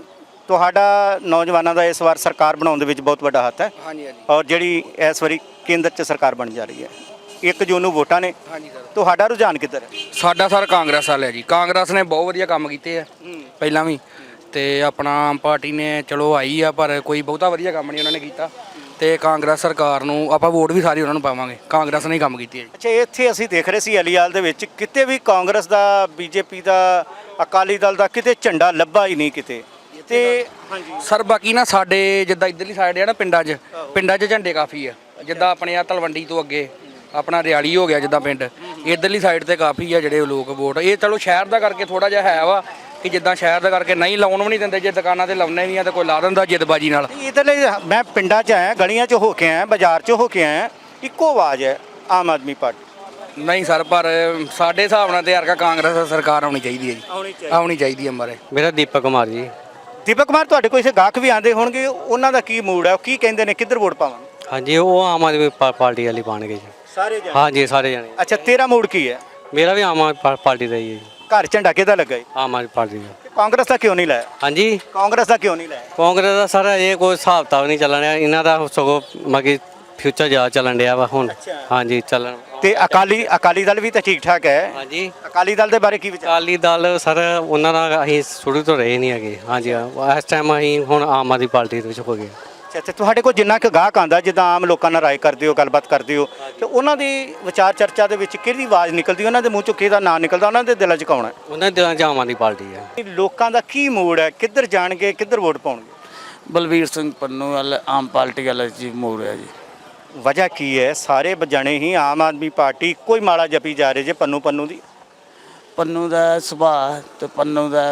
Speaker 5: ਤੁਹਾਡਾ ਨੌਜਵਾਨਾਂ ਦਾ ਇਸ ਵਾਰ ਸਰਕਾਰ ਬਣਾਉਣ ਦੇ ਵਿੱਚ ਬਹੁਤ ਵੱਡਾ ਹੱਥ ਹੈ।
Speaker 18: ਹਾਂਜੀ ਹਾਂਜੀ
Speaker 5: ਔਰ ਜਿਹੜੀ ਇਸ ਵਾਰੀ ਕੇਂਦਰ 'ਚ ਸਰਕਾਰ ਬਣ ਜਾ ਰਹੀ ਹੈ, ਇੱਕ ਜੂਨ ਨੂੰ ਵੋਟਾਂ ਨੇ,
Speaker 18: ਹਾਂਜੀ ਸਰ।
Speaker 5: ਤੁਹਾਡਾ ਰੁਝਾਨ ਕਿੱਧਰ ਹੈ?
Speaker 18: ਸਾਡਾ ਸਰ ਕਾਂਗਰਸ ਵਾਲੇ ਆ ਜੀ। ਕਾਂਗਰਸ ਨੇ ਬਹੁਤ ਵਧੀਆ ਕੰਮ ਕੀਤੇ ਆ ਪਹਿਲਾਂ ਵੀ, ਤੇ ਆਪਣਾ ਆਮ ਪਾਰਟੀ ਨੇ ਚਲੋ ਆਈ ਆ ਪਰ ਕੋਈ ਬਹੁਤਾ ਵਧੀਆ ਕੰਮ ਨਹੀਂ ਉਹਨਾਂ ਨੇ ਕੀਤਾ, ਤੇ ਕਾਂਗਰਸ ਸਰਕਾਰ ਨੂੰ ਆਪਾਂ ਵੋਟ ਵੀ ਸਾਰੀ ਉਹਨਾਂ ਨੂੰ ਪਾਵਾਂਗੇ। ਕਾਂਗਰਸ ਨੇ ਹੀ ਕੰਮ ਕੀਤੇ ਆ ਜੀ।
Speaker 5: ਅੱਛਾ ਇੱਥੇ ਅਸੀਂ ਦੇਖ ਰਹੇ ਸੀ ਅਲੀਵਾਲ ਦੇ ਵਿੱਚ ਕਿਤੇ ਵੀ ਕਾਂਗਰਸ ਦਾ, ਬੀਜੇਪੀ ਦਾ, ਅਕਾਲੀ ਦਲ ਦਾ ਕਿਤੇ ਝੰਡਾ ਲੱਭਾ ਹੀ ਨਹੀਂ ਕਿਤੇ। ਤੇ ਹਾਂਜੀ
Speaker 18: ਸਰ ਬਾਕੀ ਨਾ ਸਾਡੇ ਜਿੱਦਾਂ ਇੱਧਰਲੀ ਸਾਈਡ ਆ ਨਾ ਪਿੰਡਾਂ 'ਚ ਪਿੰਡਾਂ 'ਚ ਝੰਡੇ ਕਾਫੀ ਆ, ਜਿੱਦਾਂ ਆਪਣੇ ਆ ਤਲਵੰਡੀ ਤੋਂ ਅੱਗੇ ਆਪਣਾ ਰਿਆਲੀ ਹੋ ਗਿਆ ਜਿੱਦਾਂ ਪਿੰਡ, ਇੱਧਰਲੀ ਸਾਈਡ ਤੇ ਕਾਫੀ ਆ ਜਿਹੜੇ ਲੋਕ ਵੋਟ। ਇਹ ਚਲੋ ਸ਼ਹਿਰ ਦਾ ਕਰਕੇ ਥੋੜਾ ਜਿਹਾ ਹੈ ਵਾ ਕਿ ਜਿੱਦਾਂ ਸ਼ਹਿਰ ਦਾ ਕਰਕੇ ਨਹੀਂ ਲਾਉਣ ਵੀ ਨਹੀਂ ਦਿੰਦੇ, ਜੇ ਦੁਕਾਨਾਂ ਤੇ ਲਾਉਣੇ ਵੀ ਆ ਤਾਂ ਕੋਈ ਲਾ ਦਿੰਦਾ ਜਿੱਦਬਾਜੀ ਨਾਲ।
Speaker 5: ਇੱਧਰਲੇ ਮੈਂ ਪਿੰਡਾਂ 'ਚ ਆਇਆ, ਗਲੀਆਂ 'ਚ ਹੋ ਕੇ ਆਇਆ, ਬਾਜ਼ਾਰ 'ਚ ਹੋ ਕੇ ਆਇਆ, ਇੱਕੋ ਆਵਾਜ਼ ਹੈ ਆਮ ਆਦਮੀ ਪਾਰਟੀ।
Speaker 18: ਨਹੀਂ ਸਰ ਪਰ ਸਾਡੇ ਹਿਸਾਬ ਨਾਲ ਤੇ ਯਾਰ ਕਾਂਗਰਸ ਸਰਕਾਰ ਆਉਣੀ ਚਾਹੀਦੀ ਹੈ ਜੀ,
Speaker 5: ਆਉਣੀ ਚਾਹੀਦੀ
Speaker 18: ਆਉਣੀ ਚਾਹੀਦੀ ਹੈ ਮਾਰੇ।
Speaker 1: ਮੇਰਾ ਦੀਪਕ ਕੁਮਾਰ ਜੀ।
Speaker 5: ਦੀਪਕ ਕੁਮਾਰ, ਤੁਹਾਡੇ ਕੋਲ ਇਸੇ ਗਾਹਕ ਵੀ ਆਉਂਦੇ ਹੋਣਗੇ, ਉਹਨਾਂ ਦਾ ਕੀ ਮੂਡ ਹੈ? ਉਹ ਕੀ ਕਹਿੰਦੇ ਨੇ ਕਿੱਧਰ ਵੋਟ ਪਾਵਾਂ?
Speaker 1: ਹਾਂਜੀ ਉਹ ਆਮ ਆਦਮੀ ਪਾ- ਪਾਰਟੀ ਵਾਲੀ ਪਾਣਗੇ ਜੀ।
Speaker 5: ਸਾਰੇ ਜਣੇ?
Speaker 1: ਹਾਂਜੀ ਸਾਰੇ ਜਣੇ।
Speaker 5: ਅੱਛਾ ਤੇਰਾ ਮੂਡ ਕੀ ਹੈ?
Speaker 1: ਮੇਰਾ ਵੀ ਆਮ ਆਦਮੀ ਪਾ- ਪਾਰਟੀ ਦਾ ਹੀ ਹੈ ਜੀ।
Speaker 5: ਘਰ ਝੰਡਾ ਕਿਹਦਾ ਲੱਗਾ ਹੈ?
Speaker 1: ਆਮ ਆਦਮੀ ਪਾਰਟੀ ਦਾ।
Speaker 5: ਕਾਂਗਰਸ ਦਾ ਕਿਉਂ ਨਹੀਂ ਲਾਇਆ?
Speaker 1: ਹਾਂਜੀ
Speaker 5: ਕਾਂਗਰਸ ਦਾ ਕਿਉਂ ਨਹੀਂ ਲਾਇਆ?
Speaker 1: ਕਾਂਗਰਸ ਦਾ ਸਾਰਾ ਇਹ ਕੋਈ ਹਿਸਾਬ ਤਾਂ ਨਹੀਂ ਚੱਲਣ ਰਿਹਾ ਇਹਨਾਂ ਦਾ, ਸਗੋਂ ਮਗੀ ਫਿਊਚਰ ਜ਼ਿਆਦਾ ਚੱਲਣ ਡਿਆ ਵਾ ਹੁਣ। ਹਾਂਜੀ ਚੱਲਣ।
Speaker 5: ਤੇ ਅਕਾਲੀ ਅਕਾਲੀ ਦਲ ਵੀ ਤਾਂ ਠੀਕ ਠਾਕ ਹੈ।
Speaker 1: ਹਾਂਜੀ
Speaker 5: ਅਕਾਲੀ ਦਲ ਦੇ ਬਾਰੇ ਕੀ ਵਿਚਾਰ?
Speaker 1: ਅਕਾਲੀ ਦਲ ਸਰ ਉਹਨਾਂ ਨਾਲ ਅਸੀਂ ਸ਼ੁਰੂ ਤੋਂ ਰਹੇ ਨਹੀਂ ਹੈਗੇ। ਹਾਂਜੀ ਇਸ ਟਾਈਮ ਅਸੀਂ ਹੁਣ ਆਮ ਆਦਮੀ ਪਾਰਟੀ ਦੇ ਵਿੱਚ ਹੋ ਗਏ।
Speaker 5: ਅੱਛਾ ਤੇ ਤੁਹਾਡੇ ਕੋਲ ਜਿੰਨਾ ਕੁ ਗਾਹਕ ਆਉਂਦਾ, ਜਿੱਦਾਂ ਆਮ ਲੋਕਾਂ ਨਾਲ ਰਾਏ ਕਰਦੇ ਹੋ, ਗੱਲਬਾਤ ਕਰਦੇ ਹੋ, ਤੇ ਉਹਨਾਂ ਦੀ ਵਿਚਾਰ ਚਰਚਾ ਦੇ ਵਿੱਚ ਕਿਹੜੀ ਆਵਾਜ਼ ਨਿਕਲਦੀ, ਉਹਨਾਂ ਦੇ ਮੂੰਹ ਚੋਂ ਕਿਹਦਾ ਨਾਂ ਨਿਕਲਦਾ, ਉਹਨਾਂ ਦੇ ਦਿਲਾਂ 'ਚ ਕੌਣ ਹੈ?
Speaker 1: ਉਹਨਾਂ ਦੇ ਦਿਲਾਂ 'ਚ ਆਮ ਆਦਮੀ ਪਾਰਟੀ ਹੈ।
Speaker 5: ਲੋਕਾਂ ਦਾ ਕੀ ਮੂਡ ਹੈ, ਕਿੱਧਰ ਜਾਣਗੇ, ਕਿੱਧਰ ਵੋਟ ਪਾਉਣਗੇ?
Speaker 18: ਬਲਬੀਰ ਸਿੰਘ ਪੰਨੂ ਵਾਲੇ ਆਮ ਪਾਰਟੀ ਵਾਲੇ ਜੀ ਮੋੜ ਹੈ ਜੀ।
Speaker 5: ਵਜ੍ਹਾ ਕੀ ਹੈ? ਸਾਰੇ ਜਣੇ ਹੀ ਆਮ ਆਦਮੀ ਪਾਰਟੀ ਕੋਈ ਮਾੜਾ ਜਪੀ ਜਾ ਰਹੇ ਜੇ ਪੰਨੂ ਪੰਨੂ ਦੀ।
Speaker 18: ਪੰਨੂ ਦਾ ਸੁਭਾਅ ਤੇ ਪੰਨੂ ਦਾ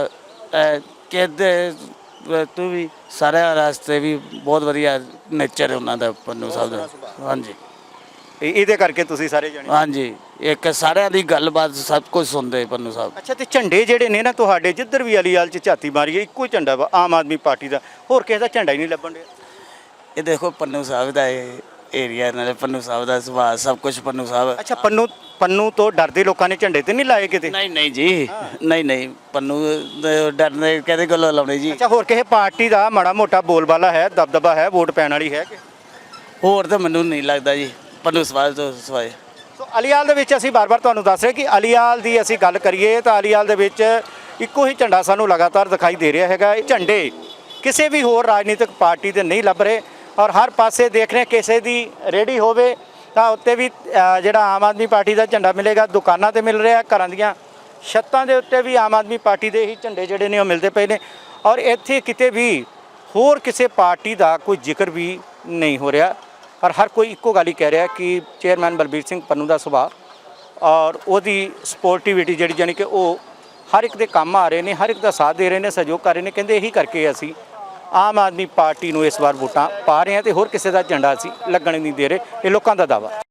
Speaker 18: ਕਿਹਦੇ ਤੂੰ ਵੀ ਸਾਰੇ ਰਸਤੇ ਵੀ ਬਹੁਤ ਵਧੀਆ ਨੇਚਰ ਹੈ ਉਹਨਾਂ ਦਾ, ਪੰਨੂ ਸਾਹਿਬ ਦਾ। ਹਾਂਜੀ
Speaker 5: ਇਹ- ਇਹਦੇ ਕਰਕੇ ਤੁਸੀਂ ਸਾਰੇ ਜਣੇ?
Speaker 18: ਹਾਂਜੀ ਇੱਕ ਸਾਰਿਆਂ ਦੀ ਗੱਲਬਾਤ ਸਭ ਕੁਝ ਸੁਣਦੇ ਪੰਨੂ ਸਾਹਿਬ।
Speaker 5: ਅੱਛਾ ਤੇ ਝੰਡੇ ਜਿਹੜੇ ਨੇ ਨਾ ਤੁਹਾਡੇ, ਜਿੱਧਰ ਵੀ ਅਲੀਵਾਲ 'ਚ ਝਾਤੀ ਮਾਰੀਏ ਇੱਕੋ ਹੀ ਝੰਡਾ ਵਾ ਆਮ ਆਦਮੀ ਪਾਰਟੀ ਦਾ, ਹੋਰ ਕਿਸੇ ਦਾ ਝੰਡਾ ਹੀ ਨਹੀਂ ਲੱਭਣ ਡਿਆ।
Speaker 18: ਇਹ ਦੇਖੋ ਪੰਨੂ ਸਾਹਿਬ ਦਾ ਇਹ ਏਰੀਆ ਨਾਲੇ ਪੰਨੂ ਸਾਹਿਬ ਦਾ ਸੁਭਾਅ ਸਭ ਕੁਝ ਪੰਨੂ ਸਾਹਿਬ।
Speaker 5: ਅੱਛਾ ਪੰਨੂ ਪੰਨੂ ਤੋਂ ਡਰਦੇ ਲੋਕਾਂ ਨੇ ਝੰਡੇ ਤੇ ਨਹੀਂ ਲਾਏ ਕਿਤੇ?
Speaker 18: ਨਹੀਂ ਨਹੀਂ ਜੀ, ਨਹੀਂ ਨਹੀਂ ਪੰਨੂ ਦੇ ਡਰਨੇ ਕਿਹਦੇ ਗੱਲੋਂ ਲਾਉਣੇ ਜੀ।
Speaker 5: ਅੱਛਾ ਹੋਰ ਕਿਸੇ ਪਾਰਟੀ ਦਾ ਮਾੜਾ ਮੋਟਾ ਬੋਲਬਾਲਾ ਹੈ, ਦਬਦਬਾ ਹੈ, ਵੋਟ ਪੈਣ ਵਾਲੀ ਹੈ ਕਿ?
Speaker 18: ਹੋਰ ਤਾਂ ਮੈਨੂੰ ਨਹੀਂ ਲੱਗਦਾ ਜੀ ਪੰਨੂ ਸਵਾਲ ਤੋਂ ਸਵਾਏ।
Speaker 5: ਸੋ ਅਲੀਵਾਲ ਦੇ ਵਿੱਚ ਅਸੀਂ ਬਾਰ-ਬਾਰ ਤੁਹਾਨੂੰ ਦੱਸ ਰਹੇ ਕਿ ਅਲੀਵਾਲ ਦੀ ਅਸੀਂ ਗੱਲ ਕਰੀਏ ਤਾਂ ਅਲੀਵਾਲ ਦੇ ਵਿੱਚ ਇੱਕੋ ਹੀ ਝੰਡਾ ਸਾਨੂੰ ਲਗਾਤਾਰ ਦਿਖਾਈ ਦੇ ਰਿਹਾ ਹੈਗਾ। ਇਹ ਝੰਡੇ ਕਿਸੇ ਵੀ ਹੋਰ ਰਾਜਨੀਤਿਕ ਪਾਰਟੀ ਦੇ ਨਹੀਂ ਲੱਭ ਰਹੇ ਔਰ ਹਰ ਪਾਸੇ ਦੇਖ ਰਹੇ ਕਿਸੇ ਦੀ ਰੇਹੜੀ ਹੋਵੇ ਤਾਂ ਉੱਤੇ ਵੀ ਅ, ਜਿਹੜਾ ਆਮ ਆਦਮੀ ਪਾਰਟੀ ਦਾ ਝੰਡਾ ਮਿਲੇਗਾ। ਦੁਕਾਨਾਂ ਤੇ ਮਿਲ ਰਿਹਾ, ਘਰਾਂ ਦੀਆਂ ਛੱਤਾਂ ਦੇ ਉੱਤੇ ਵੀ ਆਮ ਆਦਮੀ ਪਾਰਟੀ ਦੇ ਹੀ ਝੰਡੇ ਜਿਹੜੇ ਨੇ ਉਹ ਮਿਲਦੇ ਪਏ ਨੇ ਔਰ ਇੱਥੇ ਕਿਤੇ ਵੀ ਹੋਰ ਕਿਸੇ ਪਾਰਟੀ ਦਾ ਕੋਈ ਜ਼ਿਕਰ ਵੀ ਨਹੀਂ ਹੋ ਰਿਹਾ ਔਰ ਹਰ ਕੋਈ ਇੱਕੋ ਗੱਲ ਹੀ ਕਹਿ ਰਿਹਾ ਕਿ ਚੇਅਰਮੈਨ ਬਲਬੀਰ ਸਿੰਘ ਪੰਨੂ ਦਾ ਸੁਭਾਅ ਔਰ ਉਹਦੀ ਸਪੋਰਟੀਵਿਟੀ ਜਿਹੜੀ ਜਾਨੀ ਕਿ ਉਹ ਹਰ ਇੱਕ ਦੇ ਕੰਮ ਆ ਰਹੇ ਨੇ, ਹਰ ਇੱਕ ਦਾ ਸਾਥ ਦੇ ਰਹੇ ਨੇ, ਸਹਿਯੋਗ ਕਰ ਰਹੇ ਨੇ। ਕਹਿੰਦੇ ਇਹੀ ਕਰਕੇ ਅਸੀਂ ਆਮ ਆਦਮੀ ਪਾਰਟੀ ਨੂੰ ਇਸ ਵਾਰ ਵੋਟਾਂ ਪਾ ਰਹੇ ਹਾਂ ਤੇ ਹੋਰ ਕਿਸੇ ਦਾ ਝੰਡਾ ਅਸੀਂ ਲੱਗਣ ਨਹੀਂ ਦੇ ਰਹੇ, ਇਹ ਲੋਕਾਂ ਦਾ ਦਾਵਾ।